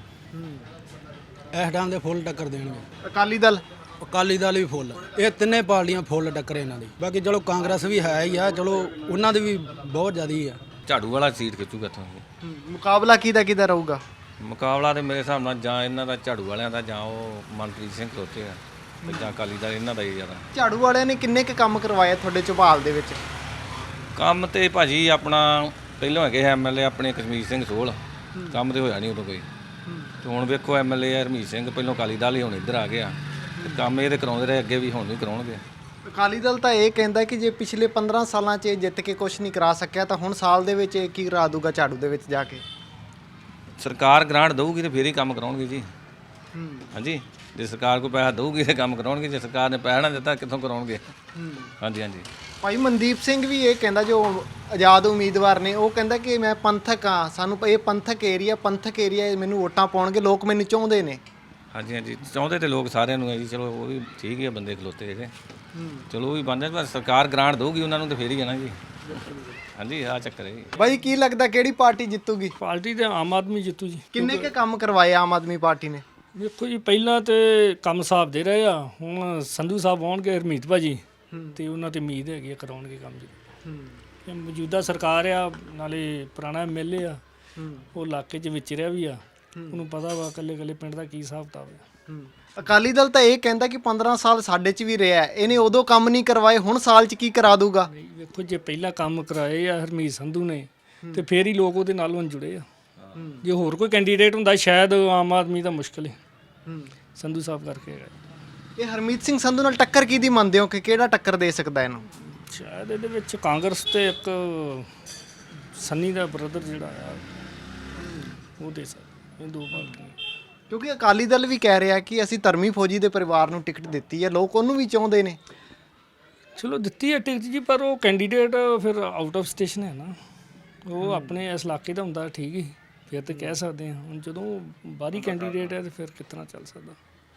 [SPEAKER 10] ਇਸ ਟਾਈਮ ਦੇ ਫੁੱਲ ਟੱਕਰ ਦੇਣਗੇ।
[SPEAKER 2] ਅਕਾਲੀ ਦਲ?
[SPEAKER 10] ਅਕਾਲੀ ਦਲ ਵੀ ਫੁੱਲ, ਇਹ ਤਿੰਨੇ ਪਾਰਟੀਆਂ ਫੁੱਲ ਟੱਕਰ ਇਹਨਾਂ ਦੀ। ਬਾਕੀ ਚਲੋ ਕਾਂਗਰਸ ਵੀ ਹੈ ਹੀ ਆ, ਚਲੋ ਉਹਨਾਂ ਦੀ ਵੀ ਬਹੁਤ ਜ਼ਿਆਦਾ ਹੀ ਆ।
[SPEAKER 11] ਝਾੜੂ ਵਾਲਾ ਸੀਟ ਖਿੱਚੂਗਾ ਇੱਥੋਂ।
[SPEAKER 2] ਮੁਕਾਬਲਾ ਕਿਹਦਾ ਕਿਹਦਾ ਰਹੂਗਾ?
[SPEAKER 11] ਮੁਕਾਬਲਾ ਤੇ ਮੇਰੇ ਹਿਸਾਬ ਨਾਲ ਜਾਂ ਇਹਨਾਂ ਦਾ ਝਾੜੂ ਵਾਲਿਆਂ ਦਾ, ਜਾਂ ਉਹ ਮਨਪ੍ਰੀਤ ਸਿੰਘ ਖਲੋਤੇ ਆ, ਤੇ ਜਾਂ ਅਕਾਲੀ ਦਲ, ਇਹਨਾਂ ਦਾ ਹੀ ਜ਼ਿਆਦਾ।
[SPEAKER 2] ਝਾੜੂ ਵਾਲਿਆਂ ਨੇ ਕਿੰਨੇ ਕੁ ਕੰਮ ਕਰਵਾਏ ਤੁਹਾਡੇ ਝਬਾਲ ਦੇ ਵਿੱਚ?
[SPEAKER 11] ਕੰਮ ਤੇ ਭਾਜੀ ਆਪਣਾ ਪਹਿਲਾਂ ਹੈਗੇ ਐਮਐਲਏ ਆਪਣੇ ਕਸ਼ਮੀਰ ਸਿੰਘ ਸੋਹਲ, ਕੰਮ ਤੇ ਹੋਇਆ ਨਹੀਂ ਉਦੋਂ ਕੋਈ। ਤੇ ਹੁਣ ਵੇਖੋ ਐਮਐਲਏ ਹਰਮੀਤ ਸਿੰਘ, ਪਹਿਲਾਂ ਅਕਾਲੀ ਦਲ ਹੀ, ਹੁਣ ਇੱਧਰ ਆ ਗਿਆ, ਤੇ ਕੰਮ ਇਹ ਤੇ ਕਰਾਉਂਦੇ ਰਹੇ ਅੱਗੇ ਵੀ, ਹੁਣ ਵੀ ਕਰਾਉਣਗੇ।
[SPEAKER 2] ਅਕਾਲੀ ਦਲ ਤਾਂ ਇਹ ਕਹਿੰਦਾ ਕਿ ਜੇ ਪਿਛਲੇ ਪੰਦਰਾਂ ਸਾਲਾਂ 'ਚ ਇਹ ਜਿੱਤ ਕੇ ਕੁਝ ਨਹੀਂ ਕਰਾ ਸਕਿਆ ਤਾਂ ਹੁਣ ਸਾਲ ਦੇ ਵਿੱਚ ਇਹ ਕੀ ਕਰਾ ਦੂਗਾ ਝਾੜੂ ਦੇ ਵਿੱਚ ਜਾ ਕੇ?
[SPEAKER 11] ਸਰਕਾਰ ਗ੍ਰਾਂਟ ਦਊਗੀ ਤੇ ਫੇਰ ਹੀ ਕੰਮ ਕਰਾਉਣਗੇ ਜੀ। ਹਾਂਜੀ ਜੇ ਸਰਕਾਰ ਕੋਈ ਪੈਸਾ ਦਊਗੀ ਤੇ ਕੰਮ ਕਰਾਉਣਗੇ, ਜੇ ਸਰਕਾਰ ਨੇ ਪੈਸਾ ਨਾ ਦਿੱਤਾ ਕਿੱਥੋਂ ਕਰਾਉਣਗੇ। ਹਾਂਜੀ ਹਾਂਜੀ
[SPEAKER 2] ਭਾਈ ਮਨਦੀਪ ਸਿੰਘ ਵੀ ਇਹ ਕਹਿੰਦਾ, ਜੋ ਆਜ਼ਾਦ ਉਮੀਦਵਾਰ ਨੇ, ਉਹ ਕਹਿੰਦਾ ਕਿ ਮੈਂ ਪੰਥਕ ਆ, ਸਾਨੂੰ ਇਹ ਪੰਥਕ ਏਰੀਆ ਪੰਥਕ ਏਰੀਆ ਮੈਨੂੰ ਵੋਟਾਂ ਪਾਉਣਗੇ, ਲੋਕ ਮੈਨੂੰ ਚਾਹੁੰਦੇ ਨੇ।
[SPEAKER 11] ਹਾਂਜੀ ਹਾਂਜੀ ਚਾਹੁੰਦੇ ਤੇ ਲੋਕ ਸਾਰਿਆਂ ਨੂੰ ਹੈ ਜੀ, ਚਲੋ ਉਹ ਵੀ ਠੀਕ ਹੀ ਆ ਬੰਦੇ ਖਲੋਤੇ ਜਿਹੜੇ, ਚਲੋ ਉਹ ਵੀ ਬਣ ਜਾਣ, ਪਰ ਸਰਕਾਰ ਗ੍ਰਾਂਟ ਦਊਗੀ ਉਹਨਾਂ ਨੂੰ ਤੇ ਫੇਰ ਹੀ ਜਾਣਾ ਜੀ। ਹਾਂਜੀ ਆਹ ਚੱਕਰ ਹੈ ਜੀ।
[SPEAKER 2] ਬਾਈ ਕੀ ਲੱਗਦਾ ਕਿਹੜੀ ਪਾਰਟੀ ਜਿੱਤੂਗੀ?
[SPEAKER 6] ਪਾਰਟੀ ਤੇ ਆਮ ਆਦਮੀ ਜਿੱਤੂ ਜੀ।
[SPEAKER 2] ਕਿੰਨੇ ਕੇ ਕੰਮ ਕਰਵਾਏ ਆਮ ਆਦਮੀ ਪਾਰਟੀ ਨੇ?
[SPEAKER 6] ਵੇਖੋ ਜੀ ਪਹਿਲਾਂ ਤੇ ਕੰਮ ਸਾਹਿਬ ਦੇ ਰਹੇ ਆ, ਹੁਣ ਸੰਧੂ ਸਾਹਿਬ ਆਉਣਗੇ, ਹਰਮੀਤ ਭਾਜੀ, ਤੇ ਉਹਨਾਂ ਤੇ ਉਮੀਦ ਹੈਗੀ ਆ ਕਰਾਉਣਗੇ ਕੰਮ ਜੀ। ਇਹ ਮੌਜੂਦਾ ਸਰਕਾਰ ਆ, ਨਾਲੇ ਪੁਰਾਣਾ ਐਮਐਲਏ ਆ, ਉਹ ਇਲਾਕੇ 'ਚ ਵਿਚਰਿਆ ਵੀ ਆ, ਉਹਨੂੰ ਪਤਾ ਵਾ ਇਕੱਲੇ ਇਕੱਲੇ ਪਿੰਡ ਦਾ ਕੀ ਹਿਸਾਬ ਕਿਤਾਬ ਆ।
[SPEAKER 2] ਅਕਾਲੀ ਦਲ ਤਾਂ ਇਹ ਕਹਿੰਦਾ ਕਿ ਪੰਦਰਾਂ ਸਾਲ ਸਾਡੇ 'ਚ ਵੀ ਰਿਹਾ, ਇਹਨੇ ਉਦੋਂ ਕੰਮ ਨਹੀਂ ਕਰਵਾਏ, ਹੁਣ ਸਾਲ 'ਚ ਕੀ ਕਰਾ ਦੂਗਾ?
[SPEAKER 6] ਵੇਖੋ ਜੇ ਪਹਿਲਾਂ ਕੰਮ ਕਰਾਏ ਆ ਹਰਮੀਤ ਸੰਧੂ ਨੇ, ਤੇ ਫੇਰ ਹੀ ਲੋਕ ਉਹਦੇ ਨਾਲ ਹੁਣ ਜੁੜੇ ਆ। ਜੇ ਹੋਰ ਕੋਈ ਕੈਂਡੀਡੇਟ ਹੁੰਦਾ ਸ਼ਾਇਦ ਆਮ ਆਦਮੀ ਦਾ ਮੁਸ਼ਕਲ ਹੈ, ਸੰਧੂ ਸਾਹਿਬ ਕਰਕੇ ਹੈਗਾ।
[SPEAKER 2] ਇਹ ਹਰਮੀਤ ਸਿੰਘ ਸੰਧੂ ਨਾਲ ਟੱਕਰ ਕਿਹਦੀ ਮੰਨਦੇ ਹੋ ਕਿ ਕਿਹੜਾ ਟੱਕਰ ਦੇ ਸਕਦਾ ਇਹਨੂੰ?
[SPEAKER 6] ਸ਼ਾਇਦ ਇਹਦੇ ਵਿੱਚ ਕਾਂਗਰਸ ਤੇ ਇੱਕ ਸੰਨੀ ਦਾ ਬ੍ਰਦਰ ਜਿਹੜਾ ਆ ਉਹ ਦੇ ਸਕਦਾ, ਇਹ ਦੋ ਪਾਰਟੀਆਂ।
[SPEAKER 2] ਕਿਉਂਕਿ ਅਕਾਲੀ ਦਲ ਵੀ ਕਹਿ ਰਿਹਾ ਕਿ ਅਸੀਂ ਧਰਮੀ ਫੌਜੀ ਦੇ ਪਰਿਵਾਰ ਨੂੰ ਟਿਕਟ ਦਿੱਤੀ ਹੈ, ਲੋਕ ਉਹਨੂੰ ਵੀ ਚਾਹੁੰਦੇ ਨੇ।
[SPEAKER 6] ਚਲੋ ਦਿੱਤੀ ਹੈ ਟਿਕਟ ਜੀ, ਪਰ ਉਹ ਕੈਂਡੀਡੇਟ ਫਿਰ ਆਊਟ ਆਫ ਸਟੇਸ਼ਨ ਹੈ ਨਾ, ਉਹ ਆਪਣੇ ਇਸ ਇਲਾਕੇ ਦਾ ਹੁੰਦਾ, ਠੀਕ ਹੀ ਫਿਰ ਤੇ ਕਹਿ ਸਕਦੇ ਹਾਂ। ਹੁਣ ਜਦੋਂ ਬਾਹਰੀ ਕੈਂਡੀਡੇਟ ਹੈ ਤੇ ਫਿਰ ਕਿਸ ਤਰ੍ਹਾਂ ਚੱਲ ਸਕਦਾ?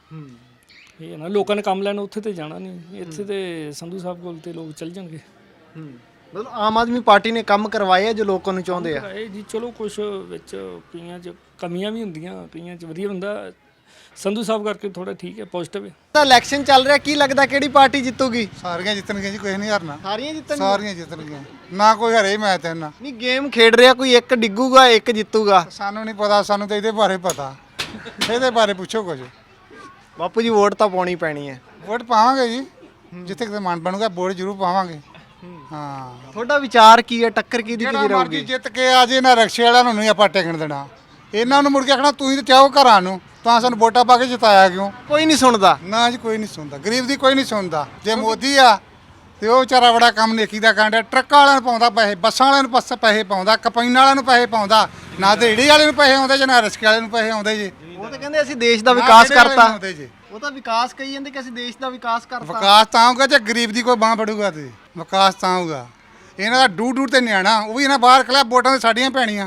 [SPEAKER 6] ਇਹ ਹੈ ਨਾ, ਲੋਕਾਂ ਨੇ ਕੰਮ ਲੈਣ ਉੱਥੇ ਤੇ ਜਾਣਾ ਨਹੀਂ, ਇੱਥੇ ਤੇ ਸੰਧੂ ਸਾਹਿਬ ਕੋਲ ਤੇ ਲੋਕ ਚੱਲ ਜਾਣਗੇ।
[SPEAKER 2] ਮਤਲਬ ਆਮ ਆਦਮੀ ਪਾਰਟੀ ਨੇ ਕੰਮ ਕਰਵਾਏ ਆ ਜੋ ਲੋਕਾਂ ਨੂੰ ਚਾਹੁੰਦੇ ਆ।
[SPEAKER 6] ਇਹ ਜੀ ਚਲੋ ਕੁਝ ਵਿੱਚ ਕਈਆਂ 'ਚ ਕਮੀਆਂ ਵੀ ਹੁੰਦੀਆਂ, ਕਈਆਂ 'ਚ ਵਧੀਆ ਹੁੰਦਾ। ਸੰਧੂ ਸਾਹਿਬ ਕਰਕੇ ਥੋੜਾ ਠੀਕ ਹੈ, ਪੋਜ਼ਿਟਿਵ ਹੈ।
[SPEAKER 2] ਤਾਂ ਇਲੈਕਸ਼ਨ ਚੱਲ ਰਿਹਾ, ਕੀ ਲੱਗਦਾ ਕਿਹੜੀ ਪਾਰਟੀ ਜਿੱਤੂਗੀ?
[SPEAKER 7] ਸਾਰੀਆਂ ਜਿੱਤਣਗੀਆਂ ਜੀ, ਕੋਈ ਨਹੀਂ ਹਾਰਨਾ।
[SPEAKER 2] ਸਾਰੀਆਂ ਜਿੱਤਣਗੀਆਂ?
[SPEAKER 7] ਸਾਰੀਆਂ ਜਿੱਤਣਗੀਆਂ, ਨਾ ਕੋਈ ਹਰੇ ਮੈਂ ਤੇ ਨਾ।
[SPEAKER 2] ਨਹੀਂ ਗੇਮ ਖੇਡ ਰਿਹਾ, ਕੋਈ ਇੱਕ ਡਿੱਗੂਗਾ ਇੱਕ ਜਿੱਤੂਗਾ।
[SPEAKER 7] ਸਾਨੂੰ ਨਹੀਂ ਪਤਾ, ਸਾਨੂੰ ਤਾਂ ਇਹਦੇ ਬਾਰੇ ਪਤਾ, ਇਹਦੇ ਬਾਰੇ ਪੁੱਛੋ ਕੁਝ।
[SPEAKER 2] ਬਾਪੂ ਜੀ ਵੋਟ ਤਾਂ ਪਾਉਣੀ ਪੈਣੀ ਹੈ।
[SPEAKER 7] ਵੋਟ ਪਾਵਾਂਗੇ ਜੀ, ਜਿੱਥੇ ਕਿਤੇ ਮਨ ਬਣੂਗਾ ਵੋਟ ਜ਼ਰੂਰ ਪਾਵਾਂਗੇ। ਹਾਂ
[SPEAKER 2] ਤੁਹਾਡਾ ਵਿਚਾਰ ਕੀ ਹੈ, ਟੱਕਰ ਕਿਹਦੀ
[SPEAKER 7] ਜਿਹੜਾ
[SPEAKER 2] ਕਿਹਦੀ
[SPEAKER 7] ਮਰਜ਼ੀ
[SPEAKER 2] ਰਹੂਗੀ?
[SPEAKER 7] ਜਿੱਤ ਕੇ ਆ ਜੇ ਨਾ, ਰਕਸ਼ੇ ਵਾਲਿਆਂ ਨੂੰ ਨਹੀਂ ਆਪਾਂ ਟਿਕਣ ਦੇਣਾ। ਇਹਨਾਂ ਨੂੰ ਮੁੜ ਕੇ ਆਖਣਾ ਤੁਸੀਂ ਤਾਂ ਚਾਹੋ ਘਰਾਂ ਨੂੰ, ਤਾਂ ਸਾਨੂੰ ਵੋਟਾਂ ਪਾ ਕੇ ਜਿਤਾਇਆ ਕਿਉਂ?
[SPEAKER 2] ਕੋਈ ਨਹੀਂ ਸੁਣਦਾ
[SPEAKER 7] ਨਾ ਜੀ, ਕੋਈ ਨਹੀਂ ਸੁਣਦਾ, ਗਰੀਬ ਦੀ ਕੋਈ ਨਹੀਂ ਸੁਣਦਾ। ਜੇ ਮੋਦੀ ਆ ਤੇ ਉਹ ਵਿਚਾਰਾ ਬੜਾ ਕੰਮ ਨੇਕੀ ਦਾ ਕਾਂਡ, ਟਰੱਕਾਂ ਵਾਲਿਆਂ ਨੂੰ ਪਾਉਂਦਾ ਪੈਸੇ, ਬੱਸਾਂ ਵਾਲਿਆਂ ਨੂੰ ਪਸ ਪੈਸੇ ਪਾਉਂਦਾ, ਕੰਪਾਈਨ ਵਾਲਿਆਂ ਨੂੰ ਪੈਸੇ ਪਾਉਂਦਾ, ਨਾ ਰੇਹੜੀ ਵਾਲੇ ਨੂੰ ਪੈਸੇ ਆਉਂਦੇ ਜੇ ਨਾ ਰਿਕਸ਼ੇ ਵਾਲੇ ਨੂੰ ਪੈਸੇ ਆਉਂਦੇ ਜੀ।
[SPEAKER 2] ਉਹ ਤਾਂ ਕਹਿੰਦੇ ਅਸੀਂ ਦੇਸ਼ ਦਾ ਵਿਕਾਸ ਕਰਤਾ।
[SPEAKER 7] ਆਉਂਦੇ ਜੀ।
[SPEAKER 2] ਉਹ ਤਾਂ ਵਿਕਾਸ ਕਹੀ ਜਾਂਦੇ ਕਿ ਅਸੀਂ ਦੇਸ਼ ਦਾ ਵਿਕਾਸ ਕਰਤਾ।
[SPEAKER 7] ਵਿਕਾਸ ਤਾਂ ਹੋਊਗਾ ਜੇ ਗਰੀਬ ਦੀ ਕੋਈ ਬਾਂਹ ਫੜੂਗਾ ਤੇ ਵਿਕਾਸ ਤਾਂ ਹੋਊਗਾ। ਇਹਨਾਂ ਦਾ ਡੂ ਡੂ ਤੇ ਨਿਆਣਾ, ਉਹ ਵੀ ਇਹਨਾਂ ਬਾਹਰ ਖਲਾ, ਵੋਟਾਂ ਤੇ ਸਾਡੀਆਂ ਪੈਣੀਆਂ।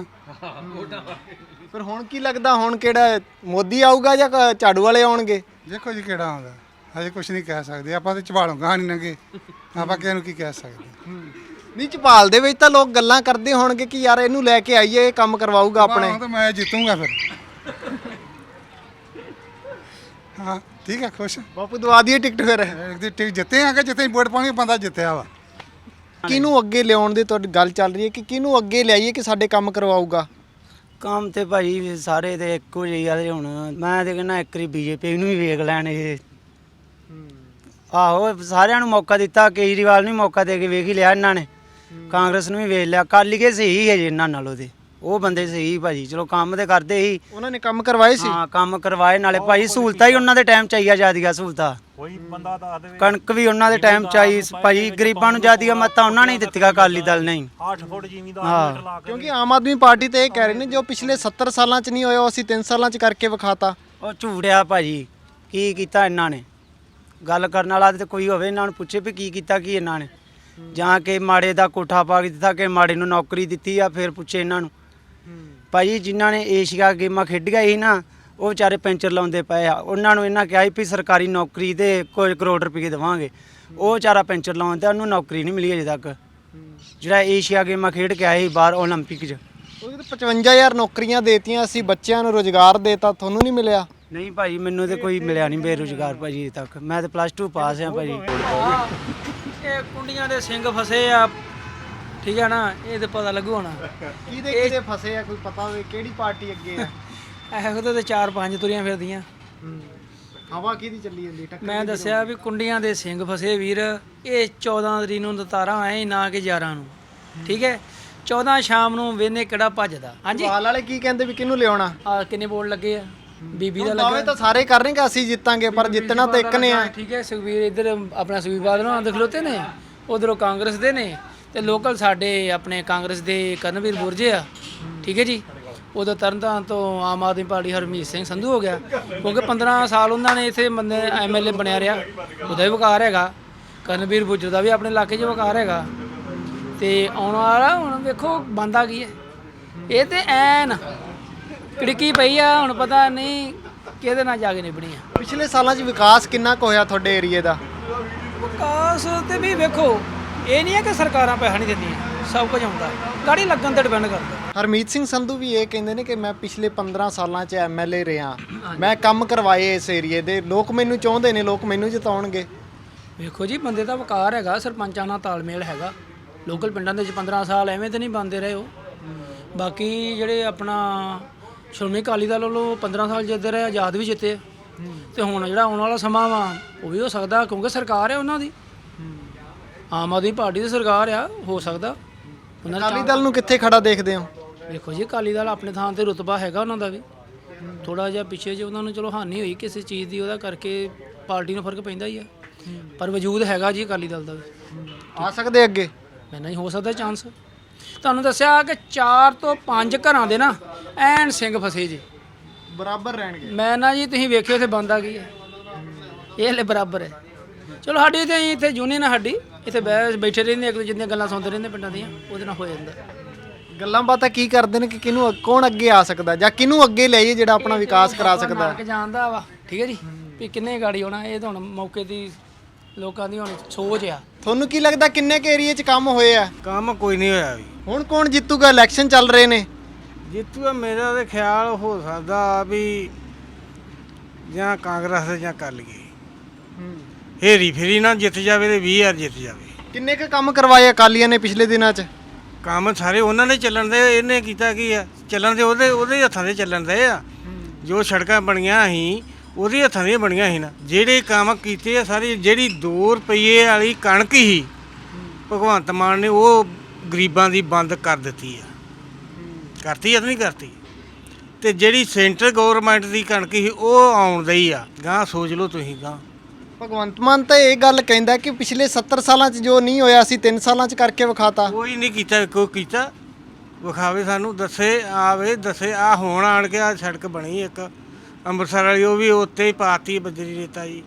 [SPEAKER 2] ਫਿਰ ਹੁਣ ਕੀ ਲੱਗਦਾ, ਹੁਣ ਕਿਹੜਾ ਮੋਦੀ ਆਊਗਾ ਜਾਂ ਕ- ਝਾੜੂ ਵਾਲੇ ਆਉਣਗੇ?
[SPEAKER 7] ਦੇਖੋ ਜੀ ਕਿਹੜਾ ਆਉਂਦਾ, ਹਜੇ ਕੁਝ ਨਹੀਂ ਕਹਿ ਸਕਦੇ ਆਪਾਂ, ਤੇ ਝਵਾਲੋਂ ਗਾਹ ਨਹੀਂ ਲੰਗੇ, ਆਪਾਂ ਕਿਸੇ ਨੂੰ ਕੀ ਕਹਿ ਸਕਦੇ।
[SPEAKER 2] ਨਹੀਂ ਝਪਾਲ ਦੇ ਵਿੱਚ ਤਾਂ ਲੋਕ ਗੱਲਾਂ ਕਰਦੇ ਹੋਣਗੇ ਕਿ ਯਾਰ ਇਹਨੂੰ ਲੈ ਕੇ ਆਈਏ, ਇਹ ਕੰਮ ਕਰਵਾਊਗਾ ਆਪਣੇ।
[SPEAKER 7] ਹਾਂ ਤਾਂ ਮੈਂ ਜਿੱਤੂਗਾ ਫਿਰ। ਹਾਂ ਠੀਕ ਹੈ, ਖੁਸ਼।
[SPEAKER 2] ਬਾਪੂ ਦਵਾ ਦਈਏ ਟਿਕਟ ਫਿਰ।
[SPEAKER 7] ਇੱਕ ਦੀ ਟਿਕ ਜਿੱਤੇ ਆ ਕਿ ਜਿੱਥੇ ਵੋਟ ਪਾਉਣੀ ਬੰਦਾ ਜਿੱਤਿਆ ਵਾ।
[SPEAKER 2] ਕਿਹਨੂੰ ਅੱਗੇ ਲਿਆਉਣ ਦੀ ਤੁਹਾਡੀ ਗੱਲ ਚੱਲ ਰਹੀ ਹੈ ਕਿ ਕਿਹਨੂੰ ਅੱਗੇ ਲਿਆਈਏ ਕਿ ਸਾਡੇ ਕੰਮ ਕਰਵਾਊਗਾ?
[SPEAKER 3] ਕੰਮ ਤੇ ਭਾਜੀ ਸਾਰੇ ਤੇ ਇੱਕੋ ਜਿਹੇ ਆ ਤੇ ਹੁਣ ਮੈਂ ਤੇ ਕਹਿੰਦਾ ਇੱਕ ਵਾਰੀ ਬੀਜੇਪੀ ਨੂੰ ਵੀ ਵੇਖ ਲੈਣ ਇਹ। ਆਹੋ ਸਾਰਿਆਂ ਨੂੰ ਮੌਕਾ ਦਿੱਤਾ, ਕੇਜਰੀਵਾਲ ਨੂੰ ਵੀ ਮੌਕਾ ਦੇ ਕੇ ਵੇਖ ਹੀ ਲਿਆ ਇਹਨਾਂ ਨੇ, ਕਾਂਗਰਸ ਨੂੰ ਵੀ ਵੇਖ ਲਿਆ। ਅਕਾਲੀ ਕੇ ਸਹੀ ਹੈ ਜੀ ਇਹਨਾਂ ਨਾਲੋਂ ਤੇ, ਉਹ ਬੰਦੇ ਸਹੀ ਭਾਜੀ, ਚਲੋ ਕੰਮ ਤੇ ਕਰਦੇ ਹੀ,
[SPEAKER 2] ਉਹਨਾਂ ਨੇ ਕੰਮ ਕਰਵਾਏ ਸੀ।
[SPEAKER 3] ਹਾਂ ਕੰਮ ਕਰਵਾਏ, ਨਾਲੇ ਭਾਜੀ ਸਹੂਲਤਾਂ ਹੀ ਉਹਨਾਂ ਦੇ ਟਾਈਮ ਚਾਹੀਆ ਜਾਂਦੀਆਂ ਸਹੂਲਤਾਂ।
[SPEAKER 8] ਕੋਈ ਬੰਦਾ ਦੱਸ ਦੇਵੇ
[SPEAKER 3] ਕਣਕ ਵੀ ਉਹਨਾਂ ਦੇ ਟਾਈਮ ਚਾਹੀ ਭਾਜੀ, ਗਰੀਬਾਂ ਨੂੰ ਜ਼ਿਆਦੀਆਂ ਮੱਤਾਂ ਉਹਨਾਂ ਨੇ ਹੀ ਦਿੱਤੀਆਂ, ਅਕਾਲੀ ਦਲ ਨੇ ਹੀ।
[SPEAKER 8] ਅੱਠ ਫੁੱਟ ਜ਼ਿਮੀਂਦਾਰ
[SPEAKER 3] ਹਾਂ
[SPEAKER 8] ਲਾ ਕੇ
[SPEAKER 2] ਕਿਉਂਕਿ ਆਮ ਆਦਮੀ ਪਾਰਟੀ ਤੇ ਇਹ ਕਹਿ ਰਹੇ ਨੇ ਜੋ ਪਿਛਲੇ ਸੱਤਰ ਸਾਲਾਂ 'ਚ ਨਹੀਂ ਹੋਇਆ ਉਹ ਅਸੀਂ ਤਿੰਨ ਸਾਲਾਂ 'ਚ ਕਰਕੇ ਵਿਖਾਤਾ।
[SPEAKER 3] ਉਹ ਝੂੜਿਆ ਭਾਜੀ, ਕੀ ਕੀਤਾ ਇਹਨਾਂ ਨੇ? ਗੱਲ ਕਰਨ ਵਾਲਾ ਤੇ ਕੋਈ ਹੋਵੇ, ਇਹਨਾਂ ਨੂੰ ਪੁੱਛੇ ਵੀ ਕੀ ਕੀਤਾ ਕੀ ਇਹਨਾਂ ਨੇ, ਜਾਂ ਕਿ ਮਾੜੇ ਦਾ ਕੋਠਾ ਪਾ ਕੇ ਦਿੱਤਾ ਕਿ ਮਾੜੇ ਨੂੰ ਨੌਕਰੀ ਦਿੱਤੀ ਆ, ਫਿਰ ਪੁੱਛੇ ਇਹਨਾਂ ਨੂੰ। ਭਾਜੀ ਜਿਨ੍ਹਾਂ ਨੇ ਏਸ਼ੀਆ ਗੇਮਾਂ ਖੇਡੀਆਂ ਸੀ ਨਾ, ਉਹ ਵਿਚਾਰੇ ਪੈਂਚਰ ਲਾਉਂਦੇ ਪਏ ਆ, ਉਹਨਾਂ ਨੂੰ ਇਹਨਾਂ ਕਿਹਾ ਸੀ ਵੀ ਸਰਕਾਰੀ ਨੌਕਰੀ ਦੇ ਕੁਝ ਕਰੋੜ ਰੁਪਏ ਦੇਵਾਂਗੇ, ਉਹ ਵਿਚਾਰਾ ਪੈਂਚਰ ਲਾਉਂਦਾ, ਉਹਨੂੰ ਨੌਕਰੀ ਨਹੀਂ ਮਿਲੀ ਅਜੇ ਤੱਕ, ਜਿਹੜਾ ਏਸ਼ੀਆ ਗੇਮਾਂ ਖੇਡ ਕੇ ਆਏ ਸੀ ਬਾਹਰ ਓਲੰਪਿਕ 'ਚ।
[SPEAKER 2] ਉਹ ਤਾਂ ਪਚਵੰਜਾ ਹਜ਼ਾਰ ਨੌਕਰੀਆਂ ਦੇਤੀਆਂ, ਅਸੀਂ ਬੱਚਿਆਂ ਨੂੰ ਰੋਜ਼ਗਾਰ ਦੇਤਾ, ਤੁਹਾਨੂੰ ਨਹੀਂ ਮਿਲਿਆ?
[SPEAKER 3] ਨਹੀਂ ਭਾਜੀ ਮੈਨੂੰ ਤੇ ਕੋਈ ਮਿਲਿਆ ਨਹੀਂ ਬੇਰੁਜ਼ਗਾਰ ਭਾਜੀ ਅਜੇ ਤੱਕ, ਮੈਂ ਤੇ ਪਲੱਸ ਟੂ ਪਾਸ ਆ ਭਾਜੀ।
[SPEAKER 5] ਇਹ ਕੁੰਡੀਆਂ ਦੇ ਸਿੰਘ ਫਸੇ ਆ, ਠੀਕ ਹੈ ਨਾ, ਇਹ ਤੇ ਪਤਾ ਲੱਗੂ ਹੋਣਾ
[SPEAKER 2] ਕਿਹਦੇ ਕਿਹਦੇ ਫਸੇ ਆ, ਕੋਈ ਪਤਾ ਹੋਵੇ ਕਿਹੜੀ ਪਾਰਟੀ ਅੱਗੇ ਆ?
[SPEAKER 5] ਇਹੋ ਤੇ ਚਾਰ ਪੰਜ ਤੁਰੀਆਂ ਫਿਰਦੀਆਂ।
[SPEAKER 2] ਹਵਾ ਕਿਹਦੀ ਚੱਲੀ ਜਾਂਦੀ ਟੱਕਰ?
[SPEAKER 5] ਮੈਂ ਦੱਸਿਆ ਵੀ ਕੁੰਡੀਆਂ ਦੇ ਸਿੰਘ ਫਸੇ ਵੀਰ, ਇਹ ਚੌਦਾਂ ਤਰੀਕ ਨੂੰ ਦਤਾਰਾਂ ਆਏ ਨਾ ਕਿ ਗਿਆਰਾਂ ਨੂੰ, ਠੀਕ ਹੈ, ਚੌਦਾਂ ਸ਼ਾਮ ਨੂੰ ਵੇਨੇ ਕਿਹੜਾ ਭੱਜਦਾ। ਹਾਂਜੀ
[SPEAKER 2] ਹਾਲ ਵਾਲੇ ਕੀ ਕਹਿੰਦੇ ਵੀ ਕਿਹਨੂੰ ਲਿਆਉਣਾ?
[SPEAKER 5] ਆ ਕਿੰਨੇ ਬੋਰਡ ਲੱਗੇ ਆ, ਬੀਬੀ ਦਾ
[SPEAKER 2] ਦਾਅਵੇ
[SPEAKER 5] ਲੱਗਾ
[SPEAKER 2] ਤਾਂ ਸਾਰੇ ਕਰ ਰਹੇ ਕਿ ਅਸੀਂ ਜਿੱਤਾਂਗੇ, ਪਰ ਜਿੱਤਣਾ ਤਾਂ ਇੱਕ ਨੇ ਆ।
[SPEAKER 5] ਠੀਕ ਹੈ, ਸੁਖਬੀਰ ਇੱਧਰ ਆਪਣਾ ਸੁਖਬੀਰ ਬਾਦਲ ਨਾਲ ਖਲੋਤੇ ਨੇ, ਉਧਰੋਂ ਕਾਂਗਰਸ ਦੇ ਨੇ, ਤੇ ਲੋਕਲ ਸਾਡੇ ਆਪਣੇ ਕਾਂਗਰਸ ਦੇ ਕਰਨਵੀਰ ਬੁਰਜੇ ਆ, ਠੀਕ ਹੈ ਜੀ।
[SPEAKER 10] ਉਦੋਂ ਤਰਨਤਾਰਨ ਤੋਂ ਆਮ ਆਦਮੀ ਪਾਰਟੀ ਹਰਮੀਤ ਸਿੰਘ ਸੰਧੂ ਹੋ ਗਿਆ, ਕਿਉਂਕਿ ਪੰਦਰਾਂ ਸਾਲ ਉਹਨਾਂ ਨੇ ਇੱਥੇ ਬੰਦੇ ਐਮ ਐਲ ਏ ਬਣਿਆ ਰਿਹਾ, ਉਹਦਾ ਵੀ ਵਕਾਰ ਹੈਗਾ। ਕਰਨਵੀਰ ਬੁੱਜਰ ਦਾ ਵੀ ਆਪਣੇ ਇਲਾਕੇ 'ਚ ਵਕਾਰ ਹੈਗਾ। ਤੇ ਆਉਣ ਵਾਲਾ ਹੁਣ ਵੇਖੋ ਬੰਦਾ ਕੀ ਹੈ, ਇਹ ਤੇ ਐਨ ਕਿੜਕੀ ਪਈ ਆ, ਹੁਣ ਪਤਾ ਨਹੀਂ ਕਿਹਦੇ ਨਾਲ ਜਾ ਕੇ ਨਿਭਣੀ ਆ।
[SPEAKER 2] ਪਿਛਲੇ ਸਾਲਾਂ 'ਚ ਵਿਕਾਸ ਕਿੰਨਾ ਕੁ ਹੋਇਆ ਤੁਹਾਡੇ ਏਰੀਏ ਦਾ?
[SPEAKER 10] ਵਿਕਾਸ ਤੇ ਵੀ ਵੇਖੋ, ਇਹ ਨਹੀਂ ਹੈ ਕਿ ਸਰਕਾਰਾਂ ਪੈਸਾ ਨਹੀਂ ਦਿੰਦੀਆਂ, ਸਭ ਕੁਝ ਆਉਂਦਾ, ਗਾੜੀ ਲੱਗਣ ਤੇ ਡਿਪੈਂਡ ਕਰਦਾ।
[SPEAKER 2] ਹਰਮੀਤ ਸਿੰਘ ਸੰਧੂ ਵੀ ਇਹ ਕਹਿੰਦੇ ਨੇ ਕਿ ਮੈਂ ਪਿਛਲੇ ਪੰਦਰਾਂ ਸਾਲਾਂ 'ਚ ਐਮ ਐਲ ਏ ਰਿਹਾ, ਮੈਂ ਕੰਮ ਕਰਵਾਏ ਇਸ ਏਰੀਏ ਦੇ, ਲੋਕ ਮੈਨੂੰ ਚਾਹੁੰਦੇ ਨੇ, ਲੋਕ ਮੈਨੂੰ ਜਿਤਾਉਣਗੇ।
[SPEAKER 10] ਵੇਖੋ ਜੀ, ਬੰਦੇ ਦਾ ਵਕਾਰ ਹੈਗਾ, ਸਰਪੰਚਾਂ ਨਾਲ ਤਾਲਮੇਲ ਹੈਗਾ। ਲੋਕਲ ਪਿੰਡਾਂ ਦੇ ਵਿੱਚ ਪੰਦਰਾਂ ਸਾਲ ਐਵੇਂ ਤੇ ਨਹੀਂ ਬੰਦੇ ਰਹੇ ਉਹ। ਬਾਕੀ ਜਿਹੜੇ ਆਪਣਾ ਸ਼੍ਰੋਮਣੀ ਅਕਾਲੀ ਦਲ ਵੱਲੋਂ ਪੰਦਰਾਂ ਸਾਲ ਜਿੱਤਦੇ ਰਹੇ, ਆਜ਼ਾਦ ਵੀ ਜਿੱਤੇ, ਤੇ ਹੁਣ ਜਿਹੜਾ ਆਉਣ ਵਾਲਾ ਸਮਾਂ ਵਾ ਉਹ ਵੀ ਹੋ ਸਕਦਾ, ਕਿਉਂਕਿ ਸਰਕਾਰ ਹੈ ਉਹਨਾਂ ਦੀ, ਆਮ ਆਦਮੀ ਪਾਰਟੀ ਦੀ ਸਰਕਾਰ ਆ, ਹੋ ਸਕਦਾ ਉਹਨਾਂ ਦਾ।
[SPEAKER 2] ਅਕਾਲੀ ਦਲ ਨੂੰ ਕਿੱਥੇ ਖੜਾ ਦੇਖਦੇ ਹੋ?
[SPEAKER 10] ਦੇਖੋ ਜੀ, ਅਕਾਲੀ ਦਲ ਆਪਣੇ ਥਾਂ ਤੇ ਰੁਤਬਾ ਹੈਗਾ ਉਹਨਾਂ ਦਾ ਵੀ, ਥੋੜਾ ਜਿਹਾ ਪਿੱਛੇ ਜੇ ਉਹਨਾਂ ਨੂੰ ਚਲੋ ਹਾਨੀ ਹੋਈ ਕਿਸੇ ਚੀਜ਼ ਦੀ, ਉਹਦਾ ਕਰਕੇ ਪਾਰਟੀ ਨੂੰ ਫਰਕ ਪੈਂਦਾ ਹੀ ਆ, ਪਰ ਵਜੂਦ ਹੈਗਾ ਜੀ ਅਕਾਲੀ ਦਲ ਦਾ ਵੀ।
[SPEAKER 2] ਆ ਸਕਦੇ ਅੱਗੇ?
[SPEAKER 10] ਮੈਂ ਨਹੀਂ ਹੋ ਸਕਦਾ ਚਾਂਸ। ਤੁਹਾਨੂੰ ਦੱਸਿਆ ਕਿ ਚਾਰ ਤੋਂ ਪੰਜ ਘਰਾਂ ਦੇ ਨਾ ਐਨ ਸਿੰਘ ਫਸੇ ਜੀ,
[SPEAKER 2] ਬਰਾਬਰ ਰਹਿਣਗੇ।
[SPEAKER 10] ਮੈਂ ਨਾ ਜੀ ਤੁਸੀਂ ਵੇਖਿਓ ਇੱਥੇ ਬੰਦਾ ਕੀ ਹੈ, ਇਹ ਹਲੇ ਬਰਾਬਰ ਹੈ। ਚਲੋ ਸਾਡੀ ਤੇ ਇੱਥੇ ਯੂਨੀਅਨ ਹੈ ਸਾਡੀ, ਇੱਥੇ ਬਹਿ ਬੈਠੇ ਰਹਿੰਦੇ, ਇੱਕ ਦੂਜੇ ਦੀਆਂ ਗੱਲਾਂ ਸੁਣਦੇ ਰਹਿੰਦੇ ਪਿੰਡਾਂ ਦੀਆਂ, ਉਹਦੇ ਨਾਲ ਹੋ ਜਾਂਦਾ।
[SPEAKER 2] ਗੱਲਾਂ ਬਾਤਾਂ ਕੀ ਕਰਦੇ ਨੇ ਕਿ ਕਿਹਨੂੰ ਕੌਣ ਅੱਗੇ ਆ ਸਕਦਾ, ਜਾਂ ਕਿਹਨੂੰ ਅੱਗੇ ਲਿਆਈਏ ਜਿਹੜਾ ਆਪਣਾ ਵਿਕਾਸ ਕਰਾ ਸਕਦਾ?
[SPEAKER 10] ਕਿ ਜਾਣਦਾ ਵਾ, ਠੀਕ ਹੈ ਜੀ, ਵੀ ਕਿੰਨੇ ਗਾੜੀ ਹੋਣਾ, ਇਹ ਤਾਂ ਹੁਣ ਮੌਕੇ ਦੀ ਲੋਕਾਂ ਦੀ ਹੁਣ ਸੋਚ ਆ।
[SPEAKER 2] ਤੁਹਾਨੂੰ ਕੀ ਲੱਗਦਾ ਕਿੰਨੇ ਕੁ ਏਰੀਏ 'ਚ ਕੰਮ ਹੋਏ ਆ?
[SPEAKER 9] ਕੰਮ ਕੋਈ ਨਹੀਂ ਹੋਇਆ ਵੀ।
[SPEAKER 2] ਹੁਣ ਕੌਣ ਜਿੱਤੂਗਾ? ਇਲੈਕਸ਼ਨ ਚੱਲ ਰਹੇ ਨੇ।
[SPEAKER 9] ਜਿੱਤੂਗਾ ਮੇਰਾ ਤੇ ਖਿਆਲ ਹੋ ਸਕਦਾ ਵੀ ਜਾਂ ਕਾਂਗਰਸ ਜਾਂ ਕਰ ਲਈਏ, ਹੇਰੀ ਫੇਰੀ ਨਾ ਜਿੱਤ ਜਾਵੇ ਤੇ ਵੀਹ ਹਜ਼ਾਰ ਜਿੱਤ ਜਾਵੇ।
[SPEAKER 2] ਕਿੰਨੇ ਕੁ ਕੰਮ ਕਰਵਾਏ ਅਕਾਲੀਆਂ ਨੇ ਪਿਛਲੇ ਦਿਨਾਂ 'ਚ?
[SPEAKER 9] ਕੰਮ ਸਾਰੇ ਉਹਨਾਂ ਨੇ ਚੱਲਣ ਦੇ, ਇਹਨੇ ਕੀਤਾ ਕੀ ਆ? ਚੱਲਣ ਦੇ ਉਹਦੇ ਉਹਦੇ ਹੱਥਾਂ ਦੇ ਚੱਲਣ ਦੇ ਆ। ਜੋ ਸੜਕਾਂ ਬਣੀਆਂ ਸੀ ਉਹਦੇ ਹੱਥਾਂ ਦੀਆਂ ਬਣੀਆਂ ਸੀ ਨਾ। ਜਿਹੜੇ ਕੰਮ ਕੀਤੇ ਆ ਸਾਰੇ, ਜਿਹੜੀ ਦੋ ਰੁਪਈਏ ਵਾਲੀ ਕਣਕ ਸੀ ਭਗਵੰਤ ਮਾਨ ਨੇ ਉਹ ਗਰੀਬਾਂ ਦੀ ਬੰਦ ਕਰ ਦਿੱਤੀ ਆ। ਕਰਤੀ ਆ ਨਹੀਂ ਕਰਤੀ? ਤੇ ਜਿਹੜੀ ਸੈਂਟਰ ਗਵਰਨਮੈਂਟ ਦੀ ਕਣਕ ਸੀ ਉਹ ਆਉਣ ਦਈ ਆ। ਗਾਂ ਸੋਚ ਲਓ ਤੁਸੀਂ, ਗਾਂ
[SPEAKER 2] ਭਗਵੰਤ ਮਾਨ ਤਾਂ ਇਹ ਗੱਲ ਕਹਿੰਦਾ ਕਿ ਪਿਛਲੇ ਸੱਤਰ ਸਾਲਾਂ 'ਚ ਜੋ ਨਹੀਂ ਹੋਇਆ ਸੀ ਤਿੰਨ ਸਾਲਾਂ 'ਚ ਕਰਕੇ ਵਿਖਾਤਾ।
[SPEAKER 9] ਕੋਈ ਨਹੀਂ ਕੀਤਾ, ਕੋਈ ਕੀਤਾ ਵਿਖਾਵੇ, ਸਾਨੂੰ ਦੱਸੇ, ਆਵੇ ਦੱਸੇ। ਆ ਹੁਣ ਆਣ ਕੇ ਆ ਸੜਕ ਬਣੀ ਇੱਕ ਅੰਮ੍ਰਿਤਸਰ ਵਾਲੀ, ਉਹ ਵੀ ਉੱਤੇ ਹੀ ਪਾਤੀ ਬਜਰੀ ਰੇਤਾ ਜੀ।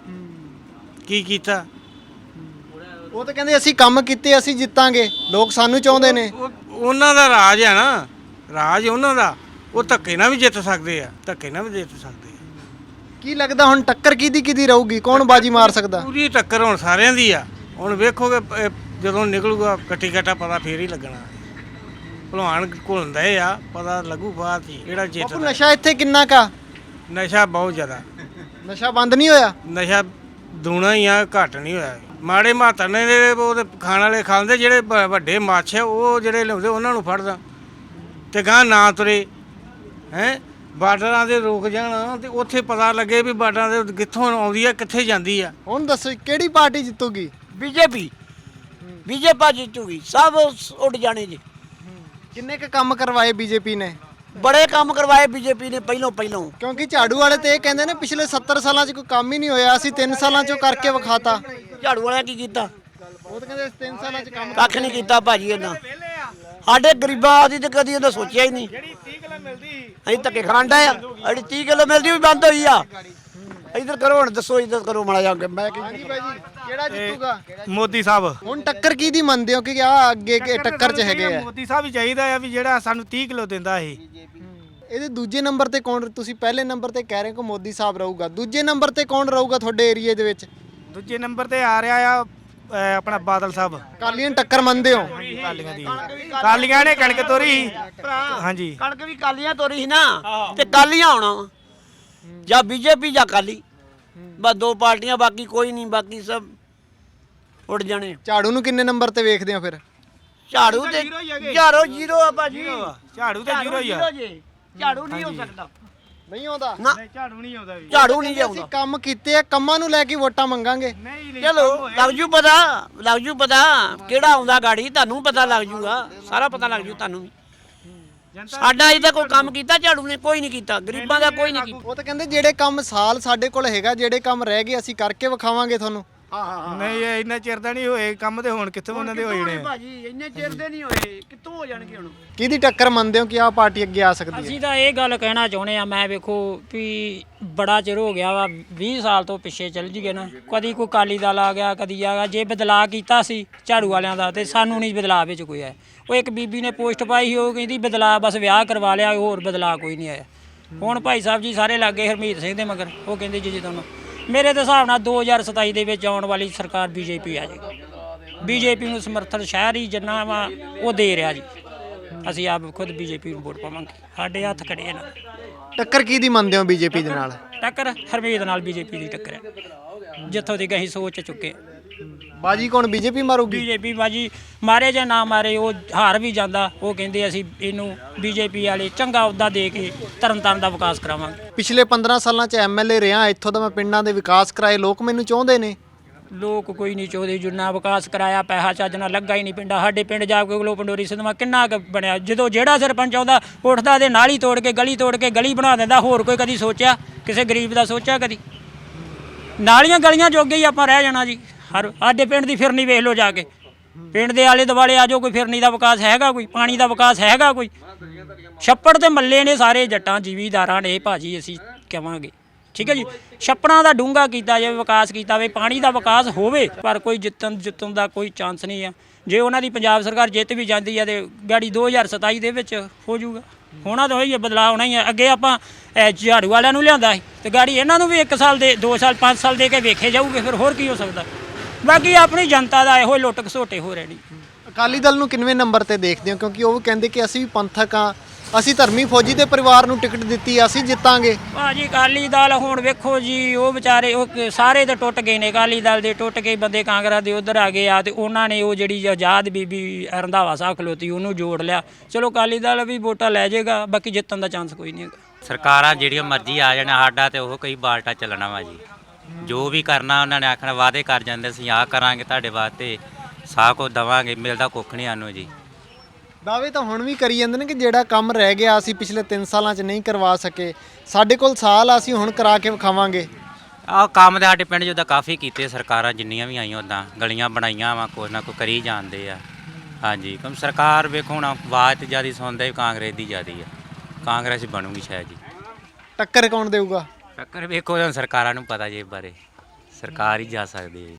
[SPEAKER 9] ਕੀ ਕੀਤਾ?
[SPEAKER 2] ਉਹ ਤਾਂ ਕਹਿੰਦੇ ਅਸੀਂ ਕੰਮ ਕੀਤੇ, ਅਸੀਂ ਜਿੱਤਾਂਗੇ, ਲੋਕ ਸਾਨੂੰ ਚਾਹੁੰਦੇ ਨੇ।
[SPEAKER 9] ਉਹ ਉਹਨਾਂ ਦਾ ਰਾਜ ਆ ਨਾ, ਰਾਜ ਉਹਨਾਂ ਦਾ। ਉਹ ਧੱਕੇ ਨਾਲ ਵੀ ਜਿੱਤ ਸਕਦੇ ਆ, ਧੱਕੇ ਨਾਲ ਵੀ ਜਿੱਤ ਸਕਦੇ ਆ।
[SPEAKER 2] ਕੀ ਲੱਗਦਾ ਹੁਣ ਟੱਕਰ ਕਿਹਦੀ ਕਿਹਦੀ ਰਹੂਗੀ, ਕੌਣ ਬਾਜੀ ਮਾਰ ਸਕਦਾ?
[SPEAKER 9] ਪੂਰੀ ਟੱਕਰ ਹੁਣ ਸਾਰਿਆਂ ਦੀ ਆ। ਹੁਣ ਵੇਖੋਗੇ ਇਹ ਜਦੋਂ ਨਿਕਲੂਗਾ ਕੱਟੀ ਕੱਟਾ ਪਤਾ ਫੇਰ ਹੀ ਲੱਗਣਾ। ਭਲਵਾਨ ਘੁਲਦੇ ਆ, ਪਤਾ ਲੱਗੂ ਬਾਅਦ ਹੀ ਕਿਹੜਾ ਜਿੱਤਦਾ।
[SPEAKER 2] ਨਸ਼ਾ ਇੱਥੇ ਕਿੰਨਾ ਕਾ?
[SPEAKER 9] ਨਸ਼ਾ ਬਹੁਤ ਜ਼ਿਆਦਾ।
[SPEAKER 2] ਨਸ਼ਾ ਬੰਦ ਨਹੀਂ ਹੋਇਆ?
[SPEAKER 9] ਨਸ਼ਾ ਦੂਣਾ ਹੀ ਆ, ਘੱਟ ਨਹੀਂ ਹੋਇਆ। ਮਾੜੇ ਮਾਤਰ ਨੇ ਉਹ ਖਾਣ ਵਾਲੇ ਖਾਂਦੇ, ਜਿਹੜੇ ਵ- ਵੱਡੇ ਮਾਛ ਆ ਉਹ ਜਿਹੜੇ ਲਿਆਉਂਦੇ ਉਹਨਾਂ ਨੂੰ ਫੜਦਾ ਤੇ ਗਾਂ ਨਾ ਤੁਰੇ ਹੈ। ਬਾਰਡਰਾਂ ਦੇ ਰੁਕ ਜਾਣ ਤੇ ਉੱਥੇ ਪਤਾ ਲੱਗੇ ਵੀ ਬਾਰਡਰਾਂ ਦੇ ਕਿੱਥੋਂ ਆਉਂਦੀ ਆ, ਕਿੱਥੇ ਜਾਂਦੀ ਆ।
[SPEAKER 2] ਹੁਣ ਦੱਸੋ ਕਿਹੜੀ ਪਾਰਟੀ ਜਿੱਤੂਗੀ?
[SPEAKER 3] ਬੀਜੇਪੀ ਬੀਜੇਪੀ ਜਿੱਤੂਗੀ, ਸਭ ਉੱਡ ਜਾਣੇ ਜੀ।
[SPEAKER 2] ਕਿੰਨੇ ਕੁ ਕੰਮ ਕਰਵਾਏ ਬੀਜੇਪੀ ਨੇ?
[SPEAKER 3] ਬੜੇ ਕੰਮ ਕਰਵਾਏ ਬੀਜੇਪੀ ਨੇ ਪਹਿਲੋਂ ਪਹਿਲੋਂ।
[SPEAKER 2] ਕਿਉਂਕਿ ਝਾੜੂ ਵਾਲੇ ਤੇ ਇਹ ਕਹਿੰਦੇ ਨੇ ਪਿਛਲੇ ਸੱਤਰ ਸਾਲਾਂ 'ਚ ਕੋਈ ਕੰਮ ਹੀ ਨਹੀਂ ਹੋਇਆ, ਅਸੀਂ ਤਿੰਨ ਸਾਲਾਂ 'ਚੋਂ ਕਰਕੇ ਵਿਖਾਤਾ।
[SPEAKER 3] ਝਾੜੂ ਵਾਲਿਆਂ ਕੀ ਕੀਤਾ?
[SPEAKER 2] ਉਹ ਤਾਂ ਕਹਿੰਦੇ ਤਿੰਨ ਸਾਲਾਂ 'ਚ ਕੰਮ
[SPEAKER 3] ਕੱਖ ਨਹੀਂ ਕੀਤਾ ਭਾਜੀ ਇਹਨਾਂ। ਸਾਡੇ ਗਰੀਬਾਂ ਦੀ ਤੇ ਕਦੀ ਇਹਨਾਂ ਸੋਚਿਆ ਹੀ ਨਹੀਂ। ਜਿਹੜੀ ਤੀਹ ਕਿਲੋ ਮਿਲਦੀ ਅਸੀਂ ਧੱਕੇ ਖਾਣ ਡਏ ਆ। ਜਿਹੜੀ ਤੀਹ ਕਿਲੋ ਮਿਲਦੀ ਉਹ ਵੀ ਬੰਦ ਹੋਈ ਆ। ਇੱਧਰ ਕਰੋ, ਹੁਣ ਦੱਸੋ ਇੱਧਰ ਕਰੋ ਮਾੜਾ ਜਾ ਕੇ। ਮੈਂ
[SPEAKER 2] ਹਾਂਜੀ ਬਾਈ ਜੀ, ਕਿਹੜਾ ਜਿੱਤੂਗਾ?
[SPEAKER 9] ਮੋਦੀ ਸਾਹਿਬ।
[SPEAKER 2] ਹੁਣ ਟੱਕਰ ਕਿਹਦੀ ਮੰਨਦੇ ਹੋ ਕਿ ਆ ਅੱਗੇ ਕਿ ਟੱਕਰ 'ਚ ਹੈਗੇ ਆ?
[SPEAKER 9] ਮੋਦੀ ਸਾਹਿਬ ਹੀ ਚਾਹੀਦਾ ਆ ਵੀ ਜਿਹੜਾ ਸਾਨੂੰ ਤੀਹ ਕਿਲੋ ਦਿੰਦਾ ਇਹ।
[SPEAKER 2] ਇਹਦੇ ਦੂਜੇ ਨੰਬਰ ਤੇ ਕੌਣ? ਤੁਸੀਂ ਪਹਿਲੇ ਨੰਬਰ ਤੇ ਕਹਿ ਰਹੇ ਹੋ ਕਿ ਮੋਦੀ ਸਾਹਿਬ ਰਹੂਗਾ, ਦੂਜੇ ਨੰਬਰ ਤੇ ਕੌਣ ਰਹੂਗਾ ਤੁਹਾਡੇ ਏਰੀਏ ਦੇ ਵਿੱਚ?
[SPEAKER 9] ਦੂਜੇ ਨੰਬਰ ਤੇ ਆ ਰਿਹਾ ਆ ਆਪਣਾ ਬਾਦਲ ਸਾਹਿਬ।
[SPEAKER 2] ਅਕਾਲੀਆਂ ਨੂੰ ਟੱਕਰ ਮੰਨਦੇ ਹੋ?
[SPEAKER 9] ਕਾਲੀਆਂ ਦੀ ਕਾਲੀਆਂ ਨੇ ਕਣਕ ਤੋਰੀ। ਹਾਂਜੀ,
[SPEAKER 3] ਕਣਕ ਵੀ ਕਾਲੀਆਂ ਤੋਰੀ ਸੀ ਨਾ, ਤੇ ਕਾਲੀਆਂ ਆਉਣਾ ਵਾ, ਜਾਂ ਬੀਜੇਪੀ ਜਾਂ ਕਾਲੀ, ਬਸ ਦੋ ਪਾਰਟੀਆਂ, ਬਾਕੀ ਕੋਈ ਨਹੀਂ, ਬਾਕੀ ਸਭ ਉੱਡ ਜਾਣੇ।
[SPEAKER 2] ਝਾੜੂ ਨੂੰ ਕਿੰਨੇ ਨੰਬਰ ਤੇ ਵੇਖਦੇ ਹੋ ਫਿਰ?
[SPEAKER 3] ਝਾੜੂ ਤੇ ਝਾੜੂ ਜ਼ੀਰੋ ਆ ਭਾਜੀ।
[SPEAKER 9] ਝਾੜੂ ਤੇ ਜ਼ੀਰੋ ਹੀ ਆ।
[SPEAKER 3] ਝਾੜੂ ਨਹੀਂ ਹੋ ਸਕਦਾ,
[SPEAKER 2] ਨਹੀਂ ਆਉਂਦਾ।
[SPEAKER 3] ਨਾ
[SPEAKER 9] ਝਾੜੂ ਨਹੀਂ ਆਉਂਦਾ ਵੀ।
[SPEAKER 3] ਝਾੜੂ ਨਹੀਂ
[SPEAKER 2] ਅਸੀਂ
[SPEAKER 3] ਆਉਂਦਾ।
[SPEAKER 2] ਕੰਮ ਕੀਤੇ ਆ, ਕੰਮਾਂ ਨੂੰ ਲੈ ਕੇ ਵੋਟਾਂ ਮੰਗਾਂਗੇ।
[SPEAKER 3] ਚਲੋ ਲੱਗ ਜੂ ਪਤਾ, ਲੱਗ ਜੂ ਪਤਾ ਕਿਹੜਾ ਆਉਂਦਾ ਗਾੜੀ, ਤੁਹਾਨੂੰ ਪਤਾ ਲੱਗ ਜੂਗਾ, ਸਾਰਾ ਪਤਾ ਲੱਗ ਜੂ ਤੁਹਾਨੂੰ ਵੀ। ਸਾਡਾ ਅਜੇ ਤੱਕ ਕੋਈ ਕੰਮ ਕੀਤਾ ਝਾੜੂ ਨੇ? ਕੋਈ ਨਹੀਂ ਕੀਤਾ, ਗਰੀਬਾਂ ਦਾ ਕੋਈ ਨਹੀਂ ਕੀਤਾ।
[SPEAKER 2] ਉਹ ਤਾਂ ਕਹਿੰਦੇ ਜਿਹੜੇ ਕੰਮ ਸਾਲ ਸਾਡੇ ਕੋਲ ਹੈਗਾ, ਜਿਹੜੇ ਕੰਮ ਰਹਿ ਗਏ ਅਸੀਂ ਕਰਕੇ ਵਿਖਾਵਾਂਗੇ ਤੁਹਾਨੂੰ।
[SPEAKER 9] ਨਹੀਂ ਇਹ ਇੰਨਾ ਚਿਰ ਦਾ ਨਹੀਂ ਹੋਏ ਕੰਮ, ਤੇ ਹੁਣ ਕਿੱਥੋਂ ਉਹਨਾਂ ਦੇ ਹੋਏ ਨੇ
[SPEAKER 3] ਭਾਜੀ ਇੰਨੇ ਚਿਰ ਦੇ ਨਹੀਂ ਹੋਏ, ਕਿੱਥੋਂ ਹੋ ਜਾਣਗੇ ਹੁਣ?
[SPEAKER 2] ਕਿਹਦੀ ਟੱਕਰ ਮੰਨਦੇ ਹੋ ਕਿ ਆਹ ਪਾਰਟੀ ਅੱਗੇ ਆ ਸਕਦੀ ਹੈ?
[SPEAKER 5] ਅਸੀਂ ਤਾਂ ਇਹ ਗੱਲ ਕਹਿਣਾ ਚਾਹੁੰਦੇ ਆ, ਮੈਂ ਵੇਖੋ ਵੀ ਬੜਾ ਚਿਰ ਹੋ ਗਿਆ ਵਾ, ਵੀਹ ਸਾਲ ਤੋਂ ਪਿੱਛੇ ਚੱਲ ਜੀਏ ਨਾ, ਕਦੀ ਕੋਈ ਅਕਾਲੀ ਦਲ ਆ ਗਿਆ, ਕਦੀ ਆ ਗਿਆ। ਜੇ ਬਦਲਾਅ ਕੀਤਾ ਸੀ ਝਾੜੂ ਵਾਲਿਆਂ ਦਾ, ਤੇ ਸਾਨੂੰ ਨਹੀਂ ਬਦਲਾਅ ਵਿੱਚ ਕੋਈ ਆਇਆ। ਉਹ ਇੱਕ ਬੀਬੀ ਨੇ ਪੋਸਟ ਪਾਈ ਸੀ, ਉਹ ਕਹਿੰਦੀ ਬਦਲਾਅ ਬਸ ਵਿਆਹ ਕਰਵਾ ਲਿਆ, ਹੋਰ ਬਦਲਾਅ ਕੋਈ ਨਹੀਂ ਆਇਆ। ਹੁਣ ਭਾਈ ਸਾਹਿਬ ਜੀ ਸਾਰੇ ਲੱਗੇ ਹਰਮੀਤ ਸਿੰਘ ਦੇ ਮਗਰ, ਉਹ ਕਹਿੰਦੇ ਜੀ ਜੀ ਤੁਹਾਨੂੰ ਮੇਰੇ ਦੇ ਹਿਸਾਬ ਨਾਲ ਦੋ ਹਜ਼ਾਰ ਸਤਾਈ ਦੇ ਵਿੱਚ ਆਉਣ ਵਾਲੀ ਸਰਕਾਰ ਬੀਜੇਪੀ ਆ ਜਾਏਗੀ। ਬੀਜੇਪੀ ਨੂੰ ਸਮਰਥਨ ਸ਼ਹਿਰ ਹੀ ਜਿੰਨਾ ਵਾ ਉਹ ਦੇ ਰਿਹਾ ਜੀ। ਅਸੀਂ ਆਪ ਖੁਦ ਬੀਜੇਪੀ ਨੂੰ ਵੋਟ ਪਾਵਾਂਗੇ, ਸਾਡੇ ਹੱਥ ਖੜੇ ਨਾ।
[SPEAKER 2] ਟੱਕਰ ਕਿਹਦੀ ਮੰਨਦੇ ਹੋ ਬੀਜੇਪੀ ਦੇ ਨਾਲ?
[SPEAKER 5] ਟੱਕਰ ਹਰਮੀਤ ਨਾਲ ਬੀਜੇਪੀ ਦੀ ਟੱਕਰ ਹੈ, ਜਿੱਥੋਂ ਦੀ ਅਸੀਂ ਸੋਚ ਚੁੱਕੇ।
[SPEAKER 2] ਬਾਜੀ ਕੌਣ ਬੀਜੇਪੀ ਮਾਰੂਗੀ?
[SPEAKER 5] ਬੀਜੇਪੀ ਬਾਜੀ ਮਾਰੇ ਜਾਂ ਨਾ ਮਾਰੇ, ਉਹ ਹਾਰ ਵੀ ਜਾਂਦਾ। ਉਹ ਕਹਿੰਦੇ ਅਸੀਂ ਇਹਨੂੰ ਬੀਜੇਪੀ ਵਾਲੇ ਚੰਗਾ ਅਹੁਦਾ ਦੇ ਕੇ ਤਰਨਤਾਰਨ ਦਾ ਵਿਕਾਸ ਕਰਾਵਾਂਗੇ।
[SPEAKER 2] ਪਿਛਲੇ ਪੰਦਰਾਂ ਸਾਲਾਂ 'ਚ ਐਮਐਲਏ ਰਿਹਾ, ਇੱਥੋਂ ਦਾ ਮੈਂ ਪਿੰਡਾਂ ਦੇ ਵਿਕਾਸ ਕਰਾਏ, ਲੋਕ ਮੈਨੂੰ ਚਾਹੁੰਦੇ ਨੇ।
[SPEAKER 5] ਲੋਕ ਕੋਈ ਨਹੀਂ ਚਾਹੁੰਦੇ, ਜਿੰਨਾ ਵਿਕਾਸ ਕਰਾਇਆ ਪੈਸਾ ਚੱਜ ਨਾਲ ਲੱਗਾ ਹੀ ਨਹੀਂ ਪਿੰਡਾਂ। ਸਾਡੇ ਪਿੰਡ ਜਾ ਕੇ ਗਲੋ ਪੰਡੋਰੀ ਸਿਧਵਾ ਕਿੰਨਾ ਕੁ ਬਣਿਆ, ਜਦੋਂ ਜਿਹੜਾ ਸਰਪੰਚ ਆਉਂਦਾ ਉੱਠਦਾ ਤੇ ਨਾਲੀ ਤੋੜ ਕੇ ਗਲੀ ਤੋੜ ਕੇ ਗਲੀ ਬਣਾ ਦਿੰਦਾ। ਹੋਰ ਕੋਈ ਕਦੀ ਸੋਚਿਆ ਕਿਸੇ ਗਰੀਬ ਦਾ ਸੋਚਿਆ ਕਦੀ? ਨਾਲੀਆਂ ਗਲੀਆਂ ਜੋਗੇ ਹੀ ਆਪਾਂ ਰਹਿ ਜਾਣਾ ਜੀ। ਹਰ ਸਾਡੇ ਪਿੰਡ ਦੀ ਫਿਰਨੀ ਵੇਖ ਲਓ ਜਾ ਕੇ, ਪਿੰਡ ਦੇ ਆਲੇ ਦੁਆਲੇ ਆ ਜਾਓ, ਕੋਈ ਫਿਰਨੀ ਦਾ ਵਿਕਾਸ ਹੈਗਾ, ਕੋਈ ਪਾਣੀ ਦਾ ਵਿਕਾਸ ਹੈਗਾ ਕੋਈ? ਛੱਪੜ ਤੇ ਮੱਲੇ ਨੇ ਸਾਰੇ ਜੱਟਾਂ ਜ਼ਿਮੀਂਦਾਰਾਂ ਨੇ ਭਾਜੀ, ਅਸੀਂ ਕਹਾਂਗੇ ਠੀਕ ਹੈ ਜੀ। ਛੱਪੜਾਂ ਦਾ ਡੂੰਘਾ ਕੀਤਾ ਜਾਵੇ, ਵਿਕਾਸ ਕੀਤਾ ਜਾਵੇ, ਪਾਣੀ ਦਾ ਵਿਕਾਸ ਹੋਵੇ, ਪਰ ਕੋਈ ਜਿੱਤਣ ਜਿੱਤਣ ਦਾ ਕੋਈ ਚਾਂਸ ਨਹੀਂ ਆ। ਜੇ ਉਹਨਾਂ ਦੀ ਪੰਜਾਬ ਸਰਕਾਰ ਜਿੱਤ ਵੀ ਜਾਂਦੀ ਹੈ ਤੇ ਗਾੜੀ ਦੋ ਹਜ਼ਾਰ ਸਤਾਈ ਦੇ ਵਿੱਚ ਹੋ ਜਾਊਗਾ। ਹੋਣਾ ਤਾਂ ਹੋਈ ਹੈ, ਬਦਲਾਅ ਹੋਣਾ ਹੀ ਹੈ। ਅੱਗੇ ਆਪਾਂ ਝਾੜੂ ਵਾਲਿਆਂ ਨੂੰ ਲਿਆਂਦਾ ਸੀ, ਤੇ ਗਾੜੀ ਇਹਨਾਂ ਨੂੰ ਵੀ ਇੱਕ ਸਾਲ ਦੇ ਦੋ ਸਾਲ ਪੰਜ ਸਾਲ ਦੇ ਕੇ ਵੇਖੇ ਜਾਊਗੇ, ਫਿਰ ਹੋਰ ਕੀ ਹੋ ਸਕਦਾ? ਬਾਕੀ ਆਪਣੀ ਜਨਤਾ ਦਾ ਇਹੋ ਲੁੱਟ ਘਸੋਟੇ ਹੋ ਰਹੇ ਨੇ।
[SPEAKER 2] ਅਕਾਲੀ ਦਲ ਨੂੰ ਕਿੰਨਵੇਂ ਨੰਬਰ ਤੇ ਦੇਖਦੇ ਹੋ? ਕਿਉਂਕਿ ਉਹ ਕਹਿੰਦੇ ਕਿ ਅਸੀਂ ਵੀ ਪੰਥਕ ਆ, ਅਸੀਂ ਧਰਮੀ ਫੌਜੀ ਦੇ ਪਰਿਵਾਰ ਨੂੰ ਟਿਕਟ ਦਿੱਤੀ, ਅਸੀਂ ਜਿੱਤਾਂਗੇ।
[SPEAKER 5] ਭਾਜੀ ਅਕਾਲੀ ਦਲ ਹੁਣ ਵੇਖੋ ਜੀ, ਉਹ ਵਿਚਾਰੇ ਉਹ ਸਾਰੇ ਤਾਂ ਟੁੱਟ ਗਏ ਨੇ। ਅਕਾਲੀ ਦਲ ਦੇ ਟੁੱਟ ਕੇ ਬੰਦੇ ਕਾਂਗਰਸ ਦੇ ਉਧਰ ਆ ਗਏ ਆ, ਤੇ ਉਹਨਾਂ ਨੇ ਉਹ ਜਿਹੜੀ ਆਜ਼ਾਦ ਬੀਬੀ ਰੰਧਾਵਾ ਸਾਹਿਬ ਖਲੋਤੀ ਉਹਨੂੰ ਜੋੜ ਲਿਆ। ਚਲੋ ਅਕਾਲੀ ਦਲ ਵੀ ਵੋਟਾਂ ਲੈ ਜਾਏਗਾ, ਬਾਕੀ ਜਿੱਤਣ ਦਾ ਚਾਂਸ ਕੋਈ ਨਹੀਂ ਹੈਗਾ।
[SPEAKER 12] ਸਰਕਾਰਾਂ ਜਿਹੜੀਆਂ ਮਰਜ਼ੀ ਆ ਜਾਣ, ਸਾਡਾ ਤੇ ਉਹ ਕਈ ਬਾਲਟਾ ਚੱਲਣਾ ਵਾ ਜੀ। ਜੋ ਵੀ ਕਰਨਾ ਉਹਨਾਂ ਨੇ ਆਖਣਾ, ਵਾਅਦੇ ਕਰ ਜਾਂਦੇ ਅਸੀਂ ਆਹ ਕਰਾਂਗੇ ਤੁਹਾਡੇ ਵਾਸਤੇ, ਸਾਹ ਕੋ ਦਵਾਂਗੇ, ਮਿਲਦਾ ਕੁੱਖ ਨਹੀਂ ਸਾਨੂੰ ਜੀ।
[SPEAKER 2] ਦਾਅਵੇ ਤਾਂ ਹੁਣ ਵੀ ਕਰੀ ਜਾਂਦੇ ਨੇ ਕਿ ਜਿਹੜਾ ਕੰਮ ਰਹਿ ਗਿਆ ਅਸੀਂ ਪਿਛਲੇ ਤਿੰਨ ਸਾਲਾਂ 'ਚ ਨਹੀਂ ਕਰਵਾ ਸਕੇ, ਸਾਡੇ ਕੋਲ ਸਾਲ ਆ, ਅਸੀਂ ਹੁਣ ਕਰਾ ਕੇ ਵਿਖਾਵਾਂਗੇ।
[SPEAKER 12] ਆਹ ਕੰਮ ਤੇ ਸਾਡੇ ਪਿੰਡ 'ਚ ਉੱਦਾਂ ਕਾਫੀ ਕੀਤੇ ਸਰਕਾਰਾਂ ਜਿੰਨੀਆਂ ਵੀ ਆਈਆਂ, ਉੱਦਾਂ ਗਲੀਆਂ ਬਣਾਈਆਂ ਵਾ, ਕੁਛ ਨਾ ਕੋਈ ਕਰੀ ਜਾਂਦੇ ਆ। ਹਾਂਜੀ, ਕਿਉਂ ਸਰਕਾਰ ਵੇਖੋ ਹੁਣ ਆਵਾਜ਼ ਤੇ ਜ਼ਿਆਦਾ ਸੁਣਦਾ ਕਾਂਗਰਸ ਦੀ ਜ਼ਿਆਦਾ ਆ, ਕਾਂਗਰਸ ਬਣੂਗੀ ਸ਼ਾਇਦ ਜੀ।
[SPEAKER 2] ਟੱਕਰ ਕੌਣ ਦੇਊਗਾ?
[SPEAKER 12] ਟੱਕਰ ਵੇਖੋ ਹੁਣ ਸਰਕਾਰਾਂ ਨੂੰ ਪਤਾ ਜੀ, ਇਸ ਬਾਰੇ ਸਰਕਾਰ ਹੀ ਜਾ ਸਕਦੀ ਹੈ।